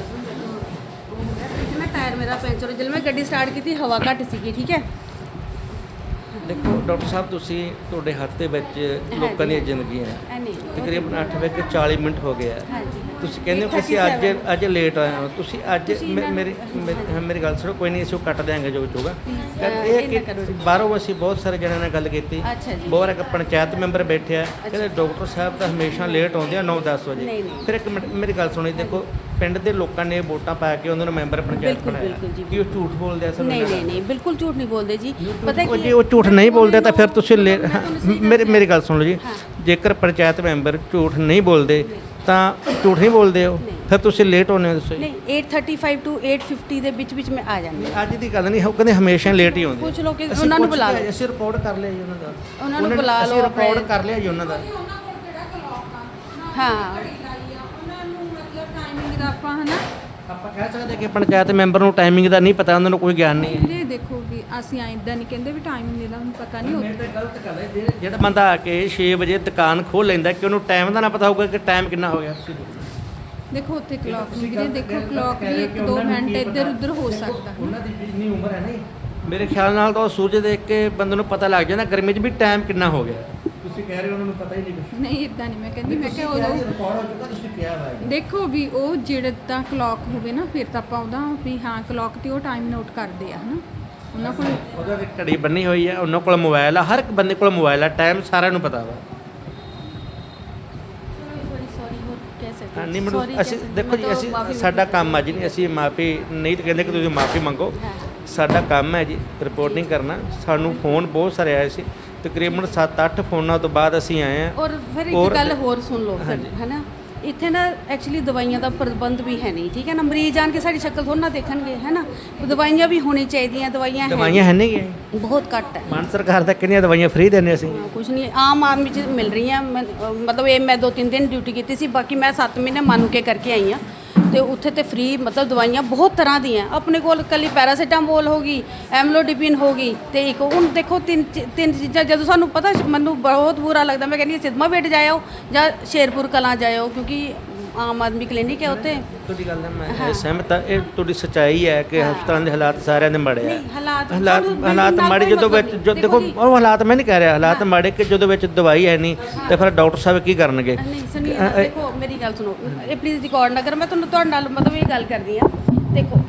[SPEAKER 5] टायर मेरा पंचर जब मैं गड्डी स्टार्ट की थी हवा घट सी ठीक है
[SPEAKER 1] देखो डॉक्टर साहब ਤੁਸੀਂ ਤੁਹਾਡੇ ਹੱਥ ਦੇ ਵਿੱਚ ਲੋਕਾਂ ਦੀਆਂ ਜ਼ਿੰਦਗੀਆਂ ਤਕਰੀਬਨ ਅੱਠ ਵਜੇ ਕੇ ਚਾਲੀ ਮਿੰਟ ਹੋ ਗਏ ਆ ਤੁਸੀਂ ਕਹਿੰਦੇ ਹੋ ਕਿ ਅਸੀਂ ਅੱਜ ਅੱਜ ਲੇਟ ਆਏ ਹਾਂ ਤੁਸੀਂ ਅੱਜ ਮੇਰੀ ਮੇਰੀ ਗੱਲ ਸੁਣੋ ਕੋਈ ਨਹੀਂ ਅਸੀਂ ਉਹ ਕੱਟ ਦਿਆਂਗੇ ਜੋ ਹੋਊਗਾ ਇਹ ਕਿ ਬਾਹਰੋਂ ਅਸੀਂ ਬਹੁਤ ਸਾਰੇ ਜਣਿਆਂ ਨਾਲ ਗੱਲ ਕੀਤੀ ਬਹੁਤ ਇੱਕ ਪੰਚਾਇਤ ਮੈਂਬਰ ਬੈਠੇ ਆ ਕਹਿੰਦੇ ਡਾਕਟਰ ਸਾਹਿਬ ਤਾਂ ਹਮੇਸ਼ਾ ਲੇਟ ਆਉਂਦੇ ਆ ਨੌ ਦਸ ਵਜੇ ਫਿਰ ਇੱਕ ਮਿੰਟ ਮੇਰੀ ਗੱਲ ਸੁਣੀ ਦੇਖੋ ਪਿੰਡ ਦੇ ਲੋਕਾਂ ਨੇ ਵੋਟਾਂ ਪਾ ਕੇ ਉਹਨਾਂ ਨੂੰ ਮੈਂਬਰ ਪੰਚਾਇਤ ਬਣਾਇਆ ਕੀ ਉਹ ਝੂਠ ਬੋਲਦੇ ਆ ਸਰ
[SPEAKER 5] नहीं नहीं नहीं बिल्कुल झूठ नहीं बोलते जी पता
[SPEAKER 1] ਉਹ ਜੇ ਉਹ ਝੂਠ ਨਹੀਂ ਬੋਲਦੇ ਤਾਂ ਫਿਰ ਤੁਸੀਂ ਮੇਰੀ ਮੇਰੀ ਗੱਲ ਸੁਣ ਲਓ ਜੀ ਜੇਕਰ ਪੰਚਾਇਤ ਮੈਂਬਰ ਝੂਠ ਨਹੀਂ ਬੋਲਦੇ ਤਾਂ ਝੂਠ ਨਹੀਂ ਬੋਲਦੇ ਹੋ ਫਿਰ ਤੁਸੀਂ ਲੇਟ ਹੋਣੇ ਹੋ ਦੱਸੋ
[SPEAKER 5] नहीं eight thirty five two eight fifty ਦੇ ਵਿੱਚ ਵਿੱਚ ਮੈਂ ਆ ਜਾਂਦੀ
[SPEAKER 1] ਅੱਜ ਦੀ ਗੱਲ ਨਹੀਂ ਉਹ ਕਹਿੰਦੇ ਹਮੇਸ਼ਾ ਲੇਟ ਹੀ ਆਉਂਦੇ
[SPEAKER 5] ਪੁੱਛ ਲਓ ਕਿ ਉਹਨਾਂ ਨੂੰ ਬੁਲਾ ਲਓ
[SPEAKER 1] ਅਸੀਂ ਰਿਪੋਰਟ ਕਰ ਲਿਆ ਜੀ ਉਹਨਾਂ ਦਾ
[SPEAKER 5] ਉਹਨਾਂ ਨੂੰ ਬੁਲਾ ਲਓ
[SPEAKER 1] ਰਿਪੋਰਟ ਕਰ ਲਿਆ ਜੀ ਉਹਨਾਂ ਦਾ
[SPEAKER 5] ਹਾਂ ਉਹਨਾਂ ਨੂੰ ਮਤਲਬ ਟਾਈਮਿੰਗ ਦਾ ਆਪਾਂ ਹਨਾ
[SPEAKER 1] ਆਪਾਂ ਕਹਿ ਸਕਦੇ ਕਿ ਪੰਚਾਇਤ ਮੈਂਬਰ ਨੂੰ ਟਾਈਮਿੰਗ ਦਾ ਨਹੀਂ ਪਤਾ, ਉਹਨਾਂ ਨੂੰ ਕੋਈ ਗਿਆਨ ਨਹੀਂ ਹੈ।
[SPEAKER 5] ਇਹ ਦੇਖੋ ਵੀ ਅਸੀਂ ਐਦਾਂ ਨਹੀਂ ਕਹਿੰਦੇ ਵੀ ਟਾਈਮਿੰਗ ਦਾ ਉਹਨੂੰ ਪਤਾ ਨਹੀਂ
[SPEAKER 1] ਮੇਰੇ ਤਾਂ ਗਲਤ ਗੱਲ ਹੈ ਜਿਹੜੇ- ਜਿਹੜਾ ਬੰਦਾ ਆ ਕੇ ਛੇ ਵਜੇ ਦੁਕਾਨ ਖੋਲ ਲੈਂਦਾ ਕਿ ਉਹਨੂੰ ਟਾਈਮ ਦਾ ਨਾ ਪਤਾ ਹੋਊਗਾ ਕਿ ਟਾਈਮ ਕਿੰਨਾ ਹੋ ਗਿਆ। ਤੁਸੀਂ ਦੇਖੋ।
[SPEAKER 5] ਦੇਖੋ ਉੱਥੇ ਕਲੌਕ ਨਹੀਂ ਵੀਰੇ, ਦੇਖੋ ਕਲੌਕ ਵੀ ਇੱਕ ਦੋ ਮਿੰਟ ਇੱਧਰ ਉੱਧਰ ਹੋ ਸਕਦਾ।
[SPEAKER 1] ਉਹਨਾਂ ਦੀ ਜਿੰਨੀ ਉਮਰ ਹੈ ਨਾ ਜੀ, ਮੇਰੇ ਖਿਆਲ ਨਾਲ ਤਾਂ ਉਹ ਸੂਰਜ ਦੇਖ ਕੇ ਬੰਦੇ ਨੂੰ ਪਤਾ ਲੱਗ ਜਾਂਦਾ ਗਰਮੀ 'ਚ ਵੀ ਟਾਈਮ ਕਿੰਨਾ ਹੋ ਗਿਆ। ਤੁਸੀਂ ਕਹਿ ਰਹੇ ਹੋ ਉਹਨਾਂ ਨੂੰ ਪਤਾ ਹੀ ਨਹੀਂ ਕੁਛ।
[SPEAKER 5] ਨਹੀਂ ਇਦਾਂ ਨਹੀਂ ਮੈਂ ਕਹਿੰਦੀ, ਮੈਂ ਕਿਹਾ ਉਦੋਂ
[SPEAKER 1] ਰਿਕਾਰਡ ਹੋ ਚੁੱਕਾ, ਤੁਸੀਂ ਕਿਹਾ ਵਾ ਇਹ।
[SPEAKER 5] ਦੇਖੋ ਵੀ ਉਹ ਜਿਹੜੇ ਤਾਂ ਕਲੌਕ ਹੋਵੇ ਨਾ ਫਿਰ ਤਾਂ ਆਪਾਂ ਉਹਦਾ ਵੀ ਹਾਂ ਕਲੌਕ ਤੇ ਉਹ ਟਾਈਮ ਨੋਟ ਕਰਦੇ ਆ ਹਨਾ ਉਹਨਾਂ ਕੋਲ।
[SPEAKER 1] ਉਹਦਾ ਇੱਕ ਘੜੀ ਬੰਨੀ ਹੋਈ ਹੈ, ਉਹਨਾਂ ਕੋਲ ਮੋਬਾਈਲ ਆ, ਹਰ ਇੱਕ ਬੰਦੇ ਕੋਲ ਮੋਬਾਈਲ ਆ, ਟਾਈਮ ਸਾਰਿਆਂ ਨੂੰ ਪਤਾ ਵਾ।
[SPEAKER 5] ਸੌਰੀ ਸੌਰੀ ਹੋਰ ਕਹਿ ਸਕਦੇ
[SPEAKER 1] ਹਾਂ, ਨਹੀਂ ਮੈਨੂੰ ਅਸੀਂ ਦੇਖੋ ਜੀ, ਅਸੀਂ ਸਾਡਾ ਕੰਮ ਆ ਜੀ, ਨਹੀਂ ਅਸੀਂ ਮਾਫੀ ਨਹੀਂ ਤਾਂ ਕਹਿੰਦੇ ਕਿ ਤੁਸੀਂ ਮਾਫੀ ਮੰਗੋ, ਸਾਡਾ ਕੰਮ ਹੈ ਜੀ ਰਿਪੋਰਟਿੰਗ ਕਰਨਾ। ਸਾਨੂੰ ਫੋਨ ਬਹੁਤ ਸਾਰੇ ਆਏ ਸੀ, ਤਕਰੀਬਨ ਸੱਤ ਅੱਠ ਫੋਨਾਂ ਤੋਂ ਬਾਅਦ ਅਸੀਂ ਆਏ ਹਾਂ।
[SPEAKER 7] ਔਰ ਫਿਰ
[SPEAKER 1] ਔਰ-
[SPEAKER 7] ਇੱਕ ਗੱਲ ਹੋਰ ਸੁਣ ਲਓ ਫਿਰ ਹੈ ਨਾ, ਇੱਥੇ ਨਾ ਐਕਚੁਅਲੀ ਦਵਾਈਆਂ ਦਾ ਪ੍ਰਬੰਧ ਵੀ ਹੈ ਨਹੀਂ, ਠੀਕ ਹੈ ਨਾ। ਮਰੀਜ਼ ਆਣ ਕੇ ਸਾਡੀ ਸ਼ਕਲ ਥੋੜ੍ਹਾ ਨਾ ਦੇਖਣਗੇ ਹੈ ਨਾ, ਦਵਾਈਆਂ ਵੀ ਹੋਣੀ ਚਾਹੀਦੀਆਂ। ਦਵਾਈਆਂ ਹੈ
[SPEAKER 1] ਦਵਾਈਆਂ ਹੈ ਨਹੀਂ ਗਈਆਂ,
[SPEAKER 7] ਬਹੁਤ ਘੱਟ ਹੈ।
[SPEAKER 1] ਮਾਨ ਸਰਕਾਰ ਤਾਂ ਕਿੰਨੀਆਂ ਦਵਾਈਆਂ ਫ੍ਰੀ ਦਿੰਦੇ ਅਸੀਂ।
[SPEAKER 7] ਕੁਝ ਨਹੀਂ ਆਮ ਆਦਮੀ ਚ ਮਿਲ ਰਹੀਆਂ। ਮੈਂ- ਅਹ ਮਤਲਬ ਇਹ ਮੈਂ ਦੋ ਤਿੰਨ ਦਿਨ ਡਿਊਟੀ ਕੀਤੀ ਸੀ, ਬਾਕੀ ਮੈਂ ਸੱਤ ਮਹੀਨੇ ਮੰਨ ਕੇ ਕਰਕੇ ਆਈ ਹਾਂ। ਤੇ ਉੱਥੇ ਤੇ ਫ੍ਰੀ ਮਤਲਬ ਦਵਾਈਆਂ ਬਹੁਤ ਤਰ੍ਹਾਂ ਦੀਆਂ ਆਪਣੇ ਕੋਲ, ਕੱਲੀ ਪੈਰਾਸੀਟਾਮੋਲ ਹੋ ਗਈ, ਐਮਲੋਡੀਪਿਨ ਹੋ ਗਈ, ਤੇ ਇੱਕ ਹੁਣ ਦੇਖੋ ਤਿੰਨ ਚੀ- ਤਿੰਨ ਚੀਜ਼ਾਂ। ਜਦੋਂ ਸਾਨੂੰ ਪਤਾ, ਮੈਨੂੰ ਬਹੁਤ ਬੁਰਾ ਲੱਗਦਾ, ਮੈਂ ਕਹਿੰਦੀ ਸਿਦਮਾ ਬੇਟ ਜਾਇਓ ਜਾਂ ਸ਼ੇਰਪੁਰ ਕਲਾਂ ਜਾਇਓ, ਕਿਉਂਕਿ ਆਮ ਆਦਮੀ ਕਲੀਨਿਕ ਹੈ ਉੱਥੇ।
[SPEAKER 1] ਤੁਹਾਡੀ ਗੱਲ ਨਾਲ ਮੈਂ ਸਹਿਮਤ ਹਾਂ, ਇਹ ਤੁਹਾਡੀ ਸੱਚਾਈ ਹੈ ਕਿ ਹਸਪਤਾਲਾਂ ਦੇ ਹਾਲਾਤ ਸਾਰਿਆਂ ਦੇ ਮਾੜੇ ਆ।
[SPEAKER 7] ਨਹੀਂ, ਹਾਲਾਤ
[SPEAKER 1] ਹਾਲਾਤ
[SPEAKER 7] ਸਾਨੂੰ
[SPEAKER 1] ਹਾਲਾਤ
[SPEAKER 7] ਨਾਲ
[SPEAKER 1] ਮਾੜੇ
[SPEAKER 7] ਕੋਈ
[SPEAKER 1] ਜਦੋਂ ਵਿੱਚ
[SPEAKER 7] ਮਤਲਬ
[SPEAKER 1] ਜੋ
[SPEAKER 7] ਨਹੀਂ।
[SPEAKER 1] ਦੇਖੋ
[SPEAKER 7] ਦੇਖੋ ਜੀ,
[SPEAKER 1] ਉਹ ਹਾਲਾਤ ਮੈਂ ਨਹੀਂ ਕਹਿ ਰਿਹਾ, ਹਾਲਾਤ ਮਾੜੇ ਕਿ ਜਦੋਂ ਵਿੱਚ ਦਵਾਈ ਹੈ ਨਹੀਂ ਤੇ ਫਿਰ ਡਾਕਟਰ ਸਾਹਿਬ ਕੀ ਕਰਨਗੇ।
[SPEAKER 7] ਨਹੀਂ ਸੁਣੀਏ ਨਾ, ਦੇਖੋ ਮੇਰੀ ਗੱਲ ਸੁਣੋ, ਇਹ ਪਲੀਜ਼ ਰਿਕਾਰਡ ਨਾ ਕਰੋ। ਮੈਂ ਤੁਹਾਨੂੰ ਤੁਹਾਡੇ ਨਾਲ ਮਤਲਬ ਇਹ ਗੱਲ ਕਰਦੀ ਆ। ਦੇਖੋ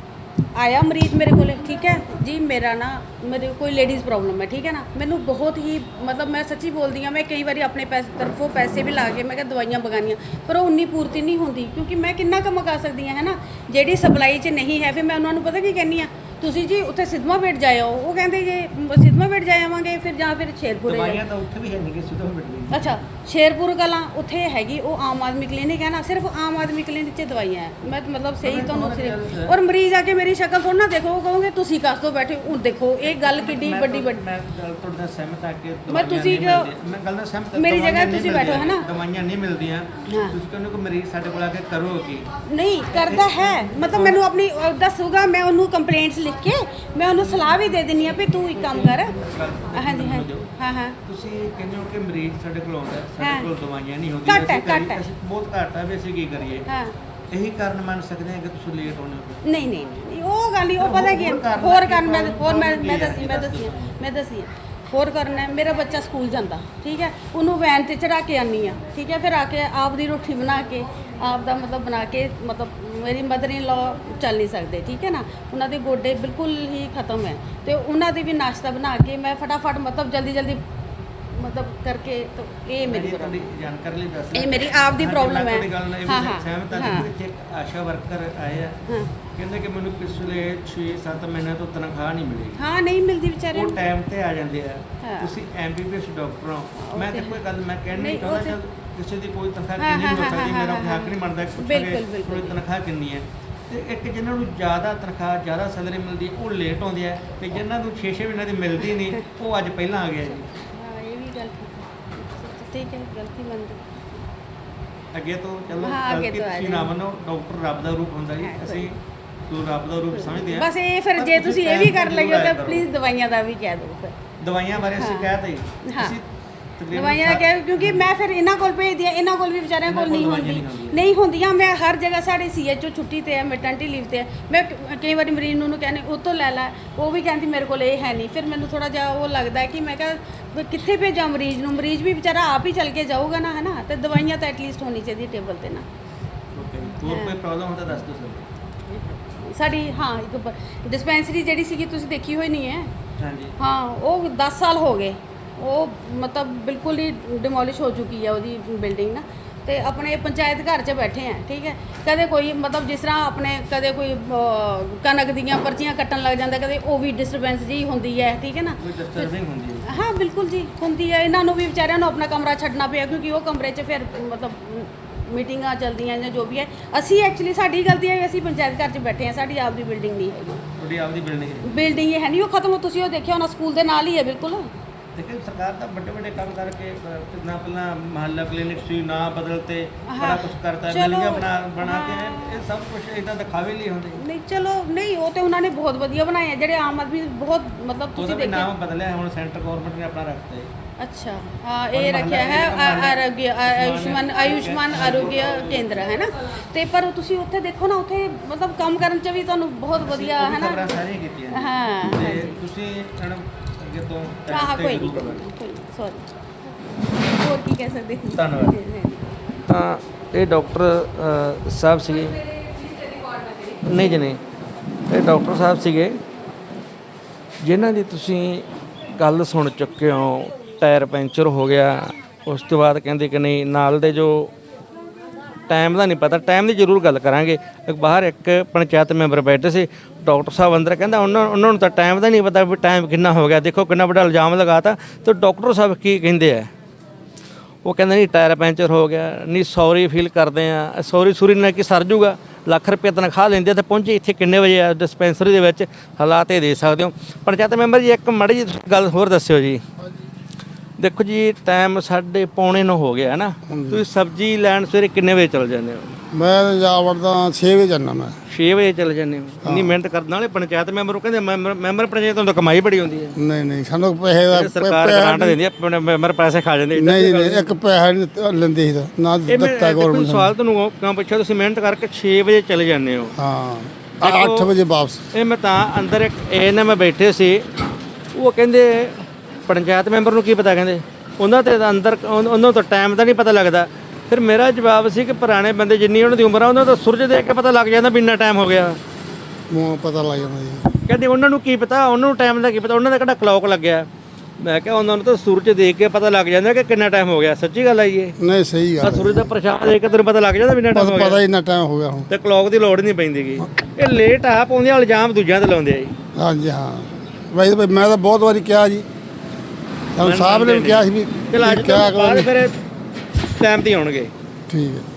[SPEAKER 7] ਆਇਆ ਮਰੀਜ਼ ਮੇਰੇ ਕੋਲੇ, ਠੀਕ ਹੈ ਜੀ, ਮੇਰਾ ਨਾ ਮੇਰੇ ਕੋਈ ਲੇਡੀਜ਼ ਪ੍ਰੋਬਲਮ ਹੈ, ਠੀਕ ਹੈ ਨਾ। ਮੈਨੂੰ ਬਹੁਤ ਹੀ ਮਤਲਬ ਮੈਂ ਸੱਚੀ ਬੋਲਦੀ ਆ, ਮੈਂ ਕਈ ਵਾਰੀ ਆਪਣੇ ਪੈਸੇ ਤਰਫੋਂ ਪੈਸੇ ਵੀ ਲਾ ਕੇ ਮੈਂ ਕਿਹਾ ਦਵਾਈਆਂ ਬਗਾਨੀਆਂ, ਪਰ ਉਹ ਉਨੀ ਪੂਰਤੀ ਨਹੀਂ ਹੁੰਦੀ, ਕਿਉਂਕਿ ਮੈਂ ਕਿੰਨਾ ਕੁ ਮੰਗਾ ਸਕਦੀ ਹਾਂ ਹੈ ਨਾ। ਜਿਹੜੀ ਸਪਲਾਈ 'ਚ ਨਹੀਂ ਹੈ, ਫਿਰ ਮੈਂ ਉਹਨਾਂ ਨੂੰ ਪਤਾ ਕੀ ਕਹਿੰਦੀ ਆ, ਤੁਸੀਂ ਜੀ ਉੱਥੇ ਸਿਦਮਾ ਬੇਟ ਜਾਇਓ। ਉਹ ਕਹਿੰਦੇ ਜੇ ਸਿਦਮਾ ਬੇਟ ਜਾਏ ਆਵਾਂਗੇ ਫਿਰ ਜਾਂ ਫਿਰ ਸ਼ੇਰਪੁਰ
[SPEAKER 1] ਦਵਾਈਆਂ ਤਾਂ ਉੱਥੇ ਵੀ ਹੈ ਨਹੀਂ ਕਿ ਸਿੱਧਾ ਮਿਲ
[SPEAKER 7] ਅੱਛਾ ਸ਼ੇਰਪੁਰ ਕਲਾਂ ਉੱਥੇ ਹੈਗੀ, ਉਹ ਆਮ ਆਦਮੀ ਕਲੀਨਿਕ ਹੈ ਨਾ। ਸਿਰਫ ਆਮ ਆਦਮੀ ਕਲੀਨਿਕ 'ਚ ਦਵਾਈਆਂ ਹੈ। ਮੈਂ ਮਤਲਬ ਸਹੀ ਤੁਹਾਨੂੰ ਸਿਰਫ ਔਰ ਮਰੀਜ਼ ਆ ਕੇ ਮੇਰੀ ਸ਼ਕਲ ਥੋੜਾ ਨਾ ਦੇਖੋ, ਉਹ ਕਹੋਗੇ ਤੁਸੀਂ ਕਾਸ ਤੋਂ ਬੈਠੇ ਹੁਣ ਦੇਖੋ ਇਹ ਗੱਲ ਕਿੱਡੀ ਵੱਡੀ ਵੱਡੀ।
[SPEAKER 1] ਮੈਂ ਗੱਲ ਤੁਹਾਡੇ ਨਾਲ ਸਹਿਮਤ ਹਾਂ ਕਿ
[SPEAKER 7] ਮੈਂ
[SPEAKER 1] ਦਵਾਈਆਂ
[SPEAKER 7] ਤੁਸੀਂ
[SPEAKER 1] ਨਹੀਂ ਮਿਲਦੀਆਂ। ਮੈਂ ਗੱਲ ਨਾਲ ਸਹਿਮਤ ਹਾਂ,
[SPEAKER 7] ਮੇਰੀ
[SPEAKER 1] ਦਵਾਈਆਂ
[SPEAKER 7] ਜਗ੍ਹਾ
[SPEAKER 1] ਨਹੀਂ
[SPEAKER 7] ਤੁਸੀਂ ਬੈਠੋ,
[SPEAKER 1] ਮਿਲਦੀਆਂ,
[SPEAKER 7] ਹੈ ਨਾ।
[SPEAKER 1] ਦਵਾਈਆਂ ਨਹੀਂ ਮਿਲਦੀਆਂ।
[SPEAKER 7] ਹਾਂ।
[SPEAKER 1] ਤੁਸੀਂ ਕਹਿੰਦੇ ਕਿ ਮਰੀਜ਼ ਸਾਡੇ ਕੋਲ ਆ ਕੇ ਕਰੋ ਕੀ
[SPEAKER 7] ਨਹੀਂ ਕਰਦਾ ਹੈ, ਮਤਲਬ ਮੈਨੂੰ ਆਪਣੀ ਅਹ, ਦੱਸੂਗਾ, ਮੈਂ ਉਹਨੂੰ ਕੰਪਲੇਂਟਸ ਲਿਖ ਕੇ ਮੈਂ ਉਹਨੂੰ ਸਲਾਹ ਵੀ ਦੇ ਦਿੰਦੀ ਆ ਵੀ ਤੂੰ ਇੱਕ ਕੰਮ ਕਰ। ਹਾਂਜੀ ਹਾਂਜੀ ਹਾਂ ਹਾਂ
[SPEAKER 1] ਤੁਸੀਂ ਕਹਿੰਦੇ ਹੋ ਕਿ ਮਰੀਜ਼ ਸਾਡੇ ਕੋਲ ਆਉਂਦਾ,
[SPEAKER 7] ਹਾਂ।
[SPEAKER 1] ਸਾਡੇ ਕੋਲ ਦਵਾਈਆਂ ਨਹੀਂ ਹੁੰਦੀਆਂ,
[SPEAKER 7] ਘੱਟ ਹੈ,
[SPEAKER 1] ਅਸੀਂ ਕਰੀਏ-
[SPEAKER 7] ਘੱਟ ਹੈ।
[SPEAKER 1] ਅਸੀਂ ਬਹੁਤ ਘੱਟ ਹੈ ਵੀ ਅਸੀਂ ਕੀ ਕਰੀਏ।
[SPEAKER 7] ਹਾਂ
[SPEAKER 1] ਇਹੀ ਕਾਰਨ ਮੰਨ ਸਕਦੇ ਹਾਂ ਕਿ ਤੁਸੀਂ ਲੇਟ ਹੋਣੇ ਹੋ।
[SPEAKER 7] ਨਹੀਂ ਨਹੀਂ ਨਹੀਂ ਉਹ ਗੱਲ ਨਹੀਂ, ਉਹ ਪਤਾ ਕੀ ਹੈ,
[SPEAKER 1] ਹੋਰ ਕਾਰਨ
[SPEAKER 7] ਹੋਰ
[SPEAKER 1] ਕੀ
[SPEAKER 7] ਕਾਰਨ ਮੈਂ
[SPEAKER 1] problem
[SPEAKER 7] ਹੋਰ ਮੈਂ
[SPEAKER 1] ਕੀ
[SPEAKER 7] ਮੈਂ
[SPEAKER 1] ਹੈ?
[SPEAKER 7] ਦੱਸੀ ਮੈਂ ਦੱਸੀ ਮੈਂ ਦੱਸੀ ਹੋਰ ਕਾਰਨ ਹੈ। ਮੇਰਾ ਬੱਚਾ ਸਕੂਲ ਜਾਂਦਾ, ਠੀਕ ਹੈ, ਉਹਨੂੰ ਵੈਨ ਤੇ ਚੜਾ ਕੇ ਆਨੀ ਆ, ਠੀਕ ਹੈ, ਫਿਰ ਆ ਕੇ ਆਪ ਦੀ ਰੋਟੀ ਬਣਾ ਕੇ ਆਪ ਦਾ ਮਤਲਬ ਬਣਾ ਕੇ, ਮਤਲਬ ਮੇਰੀ ਮਦਰ ਇਨ ਲਾ ਚੱਲ ਨਹੀਂ ਸਕਦੇ, ਠੀਕ ਹੈ ਨਾ, ਉਹਨਾਂ ਦੇ ਗੋਡੇ ਬਿਲਕੁਲ ਹੀ ਖਤਮ ਹੈ, ਤੇ ਉਹਨਾਂ ਦੇ ਵੀ ਨਾਸ਼ਤਾ ਬਣਾ ਕੇ ਮੈਂ ਫਟਾਫਟ ਮਤਲਬ ਜਲਦੀ ਜਲਦੀ ਮਤਲਬ ਕਰਕੇ। ਤਾਂ ਇਹ ਮੇਰੀ
[SPEAKER 1] ਤੁਹਾਡੀ
[SPEAKER 7] ਪ੍ਰੋਬਲਮ
[SPEAKER 1] ਜਾਣਕਾਰੀ ਲਈ ਦੱਸ
[SPEAKER 7] ਇਹ ਮੇਰੀ ਆਪ ਦੀ problem ਹੈ।
[SPEAKER 1] ਹਾਂ
[SPEAKER 7] ਹਾਂ,
[SPEAKER 1] ਹਾਂ
[SPEAKER 7] ਹਾਂ,
[SPEAKER 1] ਸਹਿਮਤ ਹਾਂ
[SPEAKER 7] ਹਾਂ।
[SPEAKER 1] ਕਿ ਇੱਕ ਆਸ਼ਾ ਵਰਕਰ ਆਏ ਆ,
[SPEAKER 7] ਹਾਂ
[SPEAKER 1] ਕਹਿੰਦੇ ਕਿ ਮੈਨੂੰ ਪਿਛਲੇ ਛੇ ਸੱਤ ਮਹੀਨੇ ਤੋਂ ਤਨਖਾਹ ਨਹੀਂ ਮਿਲੀ।
[SPEAKER 7] ਹਾਂ ਨਹੀਂ ਮਿਲਦੀ ਵਿਚਾਰਿਆਂ
[SPEAKER 1] ਉਹ
[SPEAKER 7] ਨੂੰ।
[SPEAKER 1] ਟਾਈਮ ਤੇ ਆ ਜਾਂਦੇ ਆ।
[SPEAKER 7] ਹਾਂ।
[SPEAKER 1] ਤੁਸੀਂ ਐਮਬੀਬੀਐਸ ਡਾਕਟਰ ਹੋ,
[SPEAKER 7] ਉਹ
[SPEAKER 1] ਮੈਂ
[SPEAKER 7] ਤੇ
[SPEAKER 1] ਤਾਂ ਕੋਈ ਗੱਲ ਮੈਂ ਕਹਿਣੀ
[SPEAKER 7] ਨਹੀਂ,
[SPEAKER 1] ਨਹੀਂ ਚਾਹੁੰਦਾ
[SPEAKER 7] ਉਹ
[SPEAKER 1] ਕਿ ਕਿਸੇ ਦੀ ਕੋਈ ਤਨਖਾਹ
[SPEAKER 7] ਹਾਂ,
[SPEAKER 1] ਕਿੰਨੀ
[SPEAKER 7] ਹਾਂ,
[SPEAKER 1] ਹੋ
[SPEAKER 7] ਹਾਂ,
[SPEAKER 1] ਸਕਦੀ,
[SPEAKER 7] ਹਾਂ,
[SPEAKER 1] ਮੇਰਾ
[SPEAKER 7] ਹਾਂ,
[SPEAKER 1] ਕੋਈ ਹੱਕ ਨਹੀਂ ਬਣਦਾ ਕਿ
[SPEAKER 7] ਬਿਲਕੁਲ,
[SPEAKER 1] ਪੁੱਛਾਂਗੇ
[SPEAKER 7] ਬਿਲਕੁਲ।
[SPEAKER 1] ਕੋਈ ਤਨਖਾਹ ਕਿੰਨੀ ਹੈ। ਤੇ ਇੱਕ ਜਿਨ੍ਹਾਂ ਨੂੰ ਜ਼ਿਆਦਾ ਤਨਖਾਹ ਜ਼ਿਆਦਾ ਸੈਲਰੀ ਮਿਲਦੀ ਹੈ ਉਹ ਲੇਟ ਆਉਂਦੇ ਆ, ਤੇ ਜਿਨ੍ਹਾਂ ਨੂੰ ਛੇ ਛੇ ਮਹੀਨੇ ਦੀ ਮਿਲਦੀ ਨਹੀਂ ਉਹ ਅੱਜ ਪਹਿਲਾਂ ਆ ਗਿਆ ਜੀ।
[SPEAKER 7] ਹਾਂ ਇਹ ਵੀ ਗੱਲ ਠੀਕ ਹੈ, ਗਲਤੀ ਮੰਨਦੀ।
[SPEAKER 1] ਅੱਗੇ ਤੋਂ ਚਲੋ
[SPEAKER 7] ਹਾਂ, ਅੱਗੇ
[SPEAKER 1] ਗਲਤੀ
[SPEAKER 7] ਤੋਂ ਆ
[SPEAKER 1] ਤੁਸੀਂ ਨਾ ਮੰਨੋ, ਡਾਕਟਰ ਰੱਬ ਦਾ ਰੂਪ ਹੁੰਦਾ ਜੀ,
[SPEAKER 7] ਹਾਂ,
[SPEAKER 1] ਅਸੀਂ ਤੂੰ ਰੱਬ ਦਾ ਰੂਪ ਸਮਝਦੇ ਹਾਂ।
[SPEAKER 7] ਬਸ ਇਹ ਫਿਰ
[SPEAKER 1] ਪਰ
[SPEAKER 7] ਜੇ
[SPEAKER 1] ਤੁਸੀਂ
[SPEAKER 7] ਤੁਸੀਂ ਇਹ ਵੀ
[SPEAKER 1] time
[SPEAKER 7] ਕਰ
[SPEAKER 1] ਤੇ
[SPEAKER 7] ਲਈਓ
[SPEAKER 1] ਜ਼ਰੂਰ
[SPEAKER 7] ਤਾਂ
[SPEAKER 1] ਆਇਆ ਕਰੋ।
[SPEAKER 7] ਪਲੀਜ਼ ਦਵਾਈਆਂ ਦਾ ਵੀ ਕਹਿ ਦਿਓ ਫਿਰ।
[SPEAKER 1] ਦਵਾਈਆਂ ਬਾਰੇ ਅਸੀਂ
[SPEAKER 7] ਹਾਂ।
[SPEAKER 1] ਕਹਿ ਤਾ
[SPEAKER 7] ਹਾਂ।
[SPEAKER 1] ਅਸੀਂ ਤਕਰੀਬਨ
[SPEAKER 7] ਦਵਾਈਆਂ ਦਾ ਕਹਿ, ਕਿਉਂਕਿ ਮੈਂ ਫਿਰ ਇਹਨਾਂ ਕੋਲ ਭੇਜਦੀ ਆ, ਇਹਨਾਂ ਕੋਲ ਵੀ ਵਿਚਾਰਿਆਂ ਕੋਲ ਨਹੀਂ
[SPEAKER 1] ਦਵਾਈਆਂ
[SPEAKER 7] ਹੁੰਦੀ
[SPEAKER 1] ਨਹੀਂ ਹੁੰਦੀਆਂ।
[SPEAKER 7] ਨਹੀਂ ਹੁੰਦੀਆਂ। ਮੈਂ ਹਰ ਜਗ੍ਹਾ ਸਾਡੇ ਸੀਐਚਓ ਛੁੱਟੀ ਤੇ ਹੈ, ਮੈਟਰਨਿਟੀ ਲੀਵ ਤੇ ਹੈ, ਮੈਂ ਕ- ਕਈ ਵਾਰੀ ਮਰੀਜ਼ ਨੂੰ ਕਹਿੰਦੀ ਉਹ ਤੋਂ ਲੈ ਲੈ, ਉਹ ਵੀ ਕਹਿੰਦੀ ਮੇਰੇ ਕੋਲ ਇਹ ਹੈ ਨਹੀਂ। ਫਿਰ ਮੈਨੂੰ ਥੋੜਾ ਜਿਹਾ ਉਹ ਲੱਗਦਾ ਹੈ ਕਿ ਮੈਂ ਕਿਹਾ ਵੀ ਕਿੱਥੇ ਭੇਜਾਂ ਮਰੀਜ਼ ਨੂੰ, ਮਰੀਜ਼ ਵੀ ਵਿਚਾਰਾ ਆਪ ਹੀ ਚੱਲ ਕੇ ਜਾਊਗਾ ਨਾ, ਹੈ ਨਾ। ਤੇ ਦਵਾਈਆਂ ਤਾਂ ਐਟਲੀਸਟ ਹੋਣੀ ਚਾਹੀਦੀ ਟੇਬਲ ਤੇ ਨਾ।
[SPEAKER 1] ਓਕੇ, ਹੋਰ ਕੋਈ ਪ੍ਰੋਬਲਮ ਹੁੰਦਾ ਦੱਸ ਦਿਓ ਸਾਨੂੰ।
[SPEAKER 7] ਸਾਡੀ ਹਾਂ ਇੱਕ ਡਿਸਪੈਂਸਰੀ ਜਿਹੜੀ ਸੀਗੀ ਤੁਸੀਂ ਦੇਖੀ ਹੋਈ ਨਹੀਂ ਹੈ।
[SPEAKER 1] ਹਾਂਜੀ
[SPEAKER 7] ਹਾਂ ਉਹ ਦਸ ਸਾਲ ਹੋ ਗਏ, ਉਹ ਮਤਲਬ ਬਿਲਕੁਲ ਹੀ ਡਿਮੋਲਿਸ਼ ਹੋ ਚੁੱਕੀ ਹੈ ਉਹਦੀ ਬਿਲਡਿੰਗ ਨਾ। ਤੇ ਆਪਣੇ ਪੰਚਾਇਤ ਘਰ 'ਚ ਬੈਠੇ ਆ, ਠੀਕ ਹੈ, ਕਦੇ ਕੋਈ ਮਤਲਬ ਜਿਸ ਤਰ੍ਹਾਂ ਆਪਣੇ ਕਦੇ ਕੋਈ ਅਹ, ਕਣਕ ਦੀਆਂ ਪਰਚੀਆਂ ਕੱਟਣ ਲੱਗ ਜਾਂਦਾ, ਕਦੇ ਉਹ ਵੀ ਡਿਸਟਰਬੈਂਸ ਜੀ ਹੁੰਦੀ ਹੈ, ਠੀਕ ਹੈ ਨਾ।
[SPEAKER 1] ਕੋਈ ਡਿਸਟਰਬਿੰਗ ਹੁੰਦੀ ਹੈ।
[SPEAKER 7] ਹਾਂ ਬਿਲਕੁਲ ਜੀ ਹੁੰਦੀ ਹੈ। ਇਹਨਾਂ ਨੂੰ ਵੀ ਵਿਚਾਰਿਆਂ ਨੂੰ ਆਪਣਾ ਕਮਰਾ ਛੱਡਣਾ ਪਿਆ, ਕਿਉਂਕਿ ਉਹ ਕਮਰੇ 'ਚ ਫਿਰ ਮਤਲਬ ਮੀਟਿੰਗਾਂ ਚੱਲਦੀਆਂ ਜਾਂ ਜੋ ਵੀ ਹੈ। ਅਸੀਂ ਐਕਚੁਅਲੀ ਸਾਡੀ ਗਲਤੀ ਹੈ, ਅਸੀਂ ਪੰਚਾਇਤ ਘਰ 'ਚ ਬੈਠੇ ਹਾਂ, ਸਾਡੀ ਆਪ ਦੀ ਬਿਲਡਿੰਗ ਨਹੀਂ ਹੈਗੀ।
[SPEAKER 1] ਤੁਹਾਡੀ ਆਪਦੀ ਬਿਲਡਿੰਗ ਹੈ।
[SPEAKER 7] ਬਿਲਡਿੰਗ ਇਹ ਹੈ ਨਹੀਂ, ਉਹ ਖਤਮ। ਤੁਸੀਂ ਉਹ ਦੇਖਿਆ ਹੋਣਾ ਸਕੂਲ ਦੇ ਨਾਲ ਹੀ ਹੈ ਬਿਲਕੁਲ।
[SPEAKER 1] ਦੇਖੋ ਸਰਕਾਰ ਤਾਂ ਵੱਡੇ ਵੱਡੇ ਕੰਮ ਕਰਕੇ ਅਹ, ਨਾ ਪਹਿਲਾਂ ਮਹੱਲਾ ਕਲੀਨਿਕ ਸੀ ਨਾ ਬਦਲ ਤੇ ਬੜਾ
[SPEAKER 7] ਹਾਂ,
[SPEAKER 1] ਕੁਝ ਕਰਤਾ
[SPEAKER 7] ਚਲੋ,
[SPEAKER 1] ਬਿਲਡਿੰਗਾਂ ਬਣਾ ਬਣਾ ਕੇ
[SPEAKER 7] ਹਾਂ।
[SPEAKER 1] ਇਹ ਸਭ ਕੁਝ ਇਦਾਂ ਦਿਖਾਵੇ ਲਈ ਹੁੰਦੇ
[SPEAKER 7] ਨਹੀਂ ਚਲੋ ਨਹੀਂ ਉਹ ਤੇ ਉਹਨਾਂ ਨੇ ਬਹੁਤ ਵਧੀਆ ਬਣਾਏ ਆ ਜਿਹੜੇ ਆਮ ਆਦਮੀ ਬਹੁਤ ਮਤਲਬ
[SPEAKER 1] ਉਹਦਾ
[SPEAKER 7] ਤੁਸੀਂ
[SPEAKER 1] ਵੀ
[SPEAKER 7] ਦੇਖਿਆ
[SPEAKER 1] ਨਾਮ ਬਦਲਿਆ ਹੁਣ ਸੈਂਟਰ ਗਵਰਨਮੈਂਟ ਨੇ ਆਪਣਾ ਰੱਖਤਾ ਹੈ
[SPEAKER 7] ਅੱਛਾ ਹਾਂ ਇਹ ਰੱਖਿਆ ਹੈ ਆ- ਆਰੋਗਿਆ ਆ- ਆਯੁਸ਼ਮਾਨ ਆਯੁਸ਼ਮਾਨ ਆਰੋਗਿਆ ਕੇਂਦਰ ਹੈ ਨਾ ਤੇ ਪਰ ਤੁਸੀਂ ਉੱਥੇ ਦੇਖੋ ਨਾ ਉੱਥੇ ਮਤਲਬ ਕੰਮ ਕਰਨ ਚ ਵੀ ਤੁਹਾਨੂੰ ਬਹੁਤ ਵਧੀਆ ਹੈ ਨਾ
[SPEAKER 1] ਖਬਰਾਂ ਸਾਰੀਆਂ ਕੀਤੀਆਂ
[SPEAKER 7] ਹਾਂ
[SPEAKER 1] ਤੇ ਤੁਸੀਂ ਮੈਡਮ ਅੱਗੇ ਤੋਂ
[SPEAKER 7] ਹਾਂ
[SPEAKER 1] ਤੇ
[SPEAKER 7] ਕੋਈ
[SPEAKER 1] ਜ਼ਰੂਰ
[SPEAKER 7] ਨਹੀਂ
[SPEAKER 1] ਕਰਵਾਇਓ।
[SPEAKER 7] ਸੌਰੀ ਹੋਰ ਕੀ ਕਹਿ ਸਕਦੇ ਹਾਂ?
[SPEAKER 1] ਧੰਨਵਾਦ।
[SPEAKER 7] ਜੀ, ਜੀ।
[SPEAKER 1] ਤਾਂ ਇਹ ਡਾਕਟਰ ਅ, ਸਾਹਿਬ ਸੀਗੇ ਨਹੀਂ ਜੀ ਨਹੀਂ ਇਹ ਡਾਕਟਰ ਸਾਹਿਬ ਸੀਗੇ ਜਿਨ੍ਹਾਂ ਦੀ ਤੁਸੀਂ ਗੱਲ ਸੁਣ ਚੁੱਕੇ ਹੋ ਟਾਇਰ ਪੈਂਚਰ ਹੋ ਗਿਆ ਉਸ ਤੋਂ ਬਾਅਦ ਕਹਿੰਦੇ ਕਿ ਨਹੀਂ ਨਾਲ ਦੇ ਜੋ ਟਾਈਮ ਦਾ ਨਹੀਂ ਪਤਾ ਟਾਈਮ ਦੀ ਜ਼ਰੂਰ ਗੱਲ ਕਰਾਂਗੇ ਇੱਕ ਬਾਹਰ ਇੱਕ ਪੰਚਾਇਤ ਮੈਂਬਰ ਬੈਠੇ ਸੀ ਡਾਕਟਰ ਸਾਹਿਬ ਅੰਦਰ ਕਹਿੰਦਾ ਉਹਨਾਂ ਉਹਨਾਂ ਨੂੰ ਤਾਂ ਟਾਈਮ ਦਾ ਨਹੀਂ ਪਤਾ ਵੀ ਟਾਈਮ ਕਿੰਨਾ ਹੋ ਗਿਆ ਦੇਖੋ ਕਿੰਨਾ ਵੱਡਾ ਇਲਜ਼ਾਮ ਲਗਾਤਾ ਤੇ ਡਾਕਟਰ ਸਾਹਿਬ ਕੀ ਕਹਿੰਦੇ ਆ ਉਹ ਕਹਿੰਦੇ ਨਹੀਂ ਟਾਇਰ ਪੈਂਚਰ ਹੋ ਗਿਆ ਨਹੀਂ ਸੌਰੀ ਫੀਲ ਕਰਦੇ ਆ ਸੌਰੀ ਸੂਰੀ ਨਾਲ ਕੀ ਸਰ ਜੂਗਾ ਲੱਖ ਰੁਪਏ ਤਨਖਾਹ ਲੈਂਦੇ ਤੇ ਪਹੁੰਚੇ ਇੱਥੇ ਕਿੰਨੇ ਵਜੇ ਆ ਡਿਸਪੈਂਸਰੀ ਦੇ ਵਿੱਚ ਹਾਲਾਤ ਇਹ ਦੇ ਸਕਦੇ ਹੋ ਪੰਚਾਇਤ ਮੈਂਬਰ ਜੀ ਇੱਕ ਮਾੜੀ ਜਿਹੀ ਗੱਲ ਹੋਰ ਦੱਸਿਓ ਜੀ ਦੇਖੋ ਜੀ ਟਾਈਮ ਸਾਢੇ ਪੌਣੇ ਨੂੰ ਹੋ ਗਿਆ ਹੈ ਨਾ ਤੁਸੀਂ ਸਬਜ਼ੀ ਲੈਣ ਸਵੇਰੇ ਕਿੰਨੇ ਵਜੇ ਚਲ ਜਾਂਦੇ ਹੋ
[SPEAKER 3] ਮੈਂ ਜਾ ਵੜਦਾ ਛੇ ਵਜੇ ਜਾਂਦਾ ਮੈਂ
[SPEAKER 1] ਛੇ ਵਜੇ ਚਲ ਜਾਂਦੇ ਹੋ ਇੰਨੀ ਮਿਹਨਤ ਕਰਨ ਵਾਲੇ ਪੰਚਾਇਤ ਮੈਂਬਰ ਨੂੰ ਕਹਿੰਦੇ ਮੈਂਬਰ ਮੈਂਬਰ ਪੰਚਾਇਤ ਤੋਂ ਤਾਂ ਕਮਾਈ ਬੜੀ ਹੁੰਦੀ ਹੈ
[SPEAKER 3] ਨਹੀਂ ਨਹੀਂ ਸਾਨੂੰ ਪੈਸੇ ਦਾ
[SPEAKER 1] ਸਰਕਾਰ ਗ੍ਰਾਂਟ ਦਿੰਦੀ ਹੈ ਆਪਣੇ ਮੈਂਬਰ ਪੈਸੇ ਖਾ ਜਾਂਦੇ ਏਦਾਂ
[SPEAKER 3] ਨਹੀਂ
[SPEAKER 1] ਦੀ ਗੱਲ
[SPEAKER 3] ਨਹੀਂ ਇੱਕ ਪੈਸਾ ਨਹੀਂ ਦਿੱਤਾ- ਲੈਂਦੇ ਸੀ ਤਾਂ, ਨਾ
[SPEAKER 1] ਇਹ ਮੈਂ
[SPEAKER 3] ਦਿੱਤਾ
[SPEAKER 1] ਦੇਖੋ
[SPEAKER 3] ਗਵਰਨਮੈਂਟ
[SPEAKER 1] ਸਵਾਲ ਤੁਹਾਨੂੰ ਕਿਉਂ ਪੁੱਛਿਆ ਤੁਸੀਂ ਮਿਹਨਤ ਕਰਕੇ ਛੇ ਵਜੇ ਚਲੇ ਜਾਂਦੇ ਹੋ
[SPEAKER 3] ਹਾਂ
[SPEAKER 1] ਦੇਖੋ,
[SPEAKER 3] ਅੱਠ ਵਜੇ ਵਾਪਸ
[SPEAKER 1] ਇਹ ਮੈਂ ਤਾਂ ਅੰਦਰ ਇੱਕ ਇਹ ਨਾ ਮੈਂ ਬੈਠੇ ਸੀ ਉਹ ਕਹਿੰਦੇ ਪੰਚਾਇਤ ਮੈਂਬਰ ਨੂੰ ਕੀ ਪਤਾ ਕਹਿੰਦੇ ਉਹਨਾਂ ਤੇ ਤਾਂ ਅੰਦਰ ਉਨ- ਉਹਨਾਂ ਨੂੰ ਤਾਂ ਟਾਈਮ ਦਾ ਨਹੀਂ ਪਤਾ ਲੱਗਦਾ ਫਿਰ ਮੇਰਾ ਜਵਾਬ ਸੀ ਕਿ ਪੁਰਾਣੇ ਬੰਦੇ ਜਿੰਨੀ ਉਹਨਾਂ ਦੀ ਉਮਰ ਆ ਉਹਨਾਂ ਦਾ ਸੂਰਜ ਦੇਖ ਕੇ ਪਤਾ ਲੱਗ ਜਾਂਦਾ ਵੀ ਇੰਨਾ ਟਾਈਮ ਹੋ ਗਿਆ
[SPEAKER 3] ਮੂੰਹ ਪਤਾ ਲੱਗ ਜਾਂਦਾ ਜੀ
[SPEAKER 1] ਕਹਿੰਦੇ ਉਹਨਾਂ ਨੂੰ ਕੀ ਪਤਾ ਉਹਨਾਂ ਨੂੰ ਟਾਈਮ ਦਾ ਕੀ ਪਤਾ ਉਹਨਾਂ ਦਾ ਕਿਹੜਾ ਕਲੌਕ ਲੱਗਿਆ ਮੈਂ ਕਿਹਾ ਉਹਨਾਂ ਨੂੰ ਤਾਂ ਸੂਰਜ ਦੇਖ ਕੇ ਪਤਾ ਲੱਗ ਜਾਂਦਾ ਕਿ ਕਿੰਨਾ ਟਾਈਮ ਹੋ ਗਿਆ ਸੱਚੀ ਗੱਲ ਹੈ ਜੀ ਇਹ
[SPEAKER 3] ਨਹੀਂ ਸਹੀ
[SPEAKER 1] ਆ
[SPEAKER 3] ਗੱਲ
[SPEAKER 1] ਸੂਰਜ ਦਾ ਪ੍ਰਸ਼ਾਦ ਦੇਖ ਕੇ ਤੈਨੂੰ ਪਤਾ ਲੱਗ ਜਾਂਦਾ ਵੀ ਇੰਨਾ
[SPEAKER 3] ਬਸ
[SPEAKER 1] ਟਾਈਮ ਹੋ
[SPEAKER 3] ਪਤਾ
[SPEAKER 1] ਗਿਆ
[SPEAKER 3] ਹੀ ਇੰਨਾ ਟਾਈਮ ਹੋ ਗਿਆ ਹੁਣ
[SPEAKER 1] ਤੇ ਕਲੌਕ ਦੀ ਲੋੜ ਨਹੀਂ ਪੈਂਦੀਗੀ ਇਹ ਲੇਟ ਆ ਪਾਉਂਦੇ ਆ ਇਲਜ਼ਾਮ ਦੂਜਿਆਂ ਤੇ ਲਾਉਂਦੇ ਆ ਜੀ
[SPEAKER 3] ਹਾਂਜੀ ਹਾਂ ਵੈਸੇ ਭਾਈ ਮੈਂ ਤਾਂ ਬਹੁਤ ਵਾਰੀ ਕਿਹਾ ਜੀ ਸਾਨੂੰ ਸਾਹਿਬ ਨੇ ਵੀ ਕਿਹਾ ਸੀ ਵੀ
[SPEAKER 1] ਚਲ ਅੱਜ
[SPEAKER 3] ਕਿਆ
[SPEAKER 1] ਤੋਂ ਬਾਅਦ
[SPEAKER 3] ਕਰੋ
[SPEAKER 1] ਫਿਰ ਟਾਈਮ ਤੇ ਹੀ ਆਉਣਗੇ
[SPEAKER 3] ਠੀਕ ਹੈ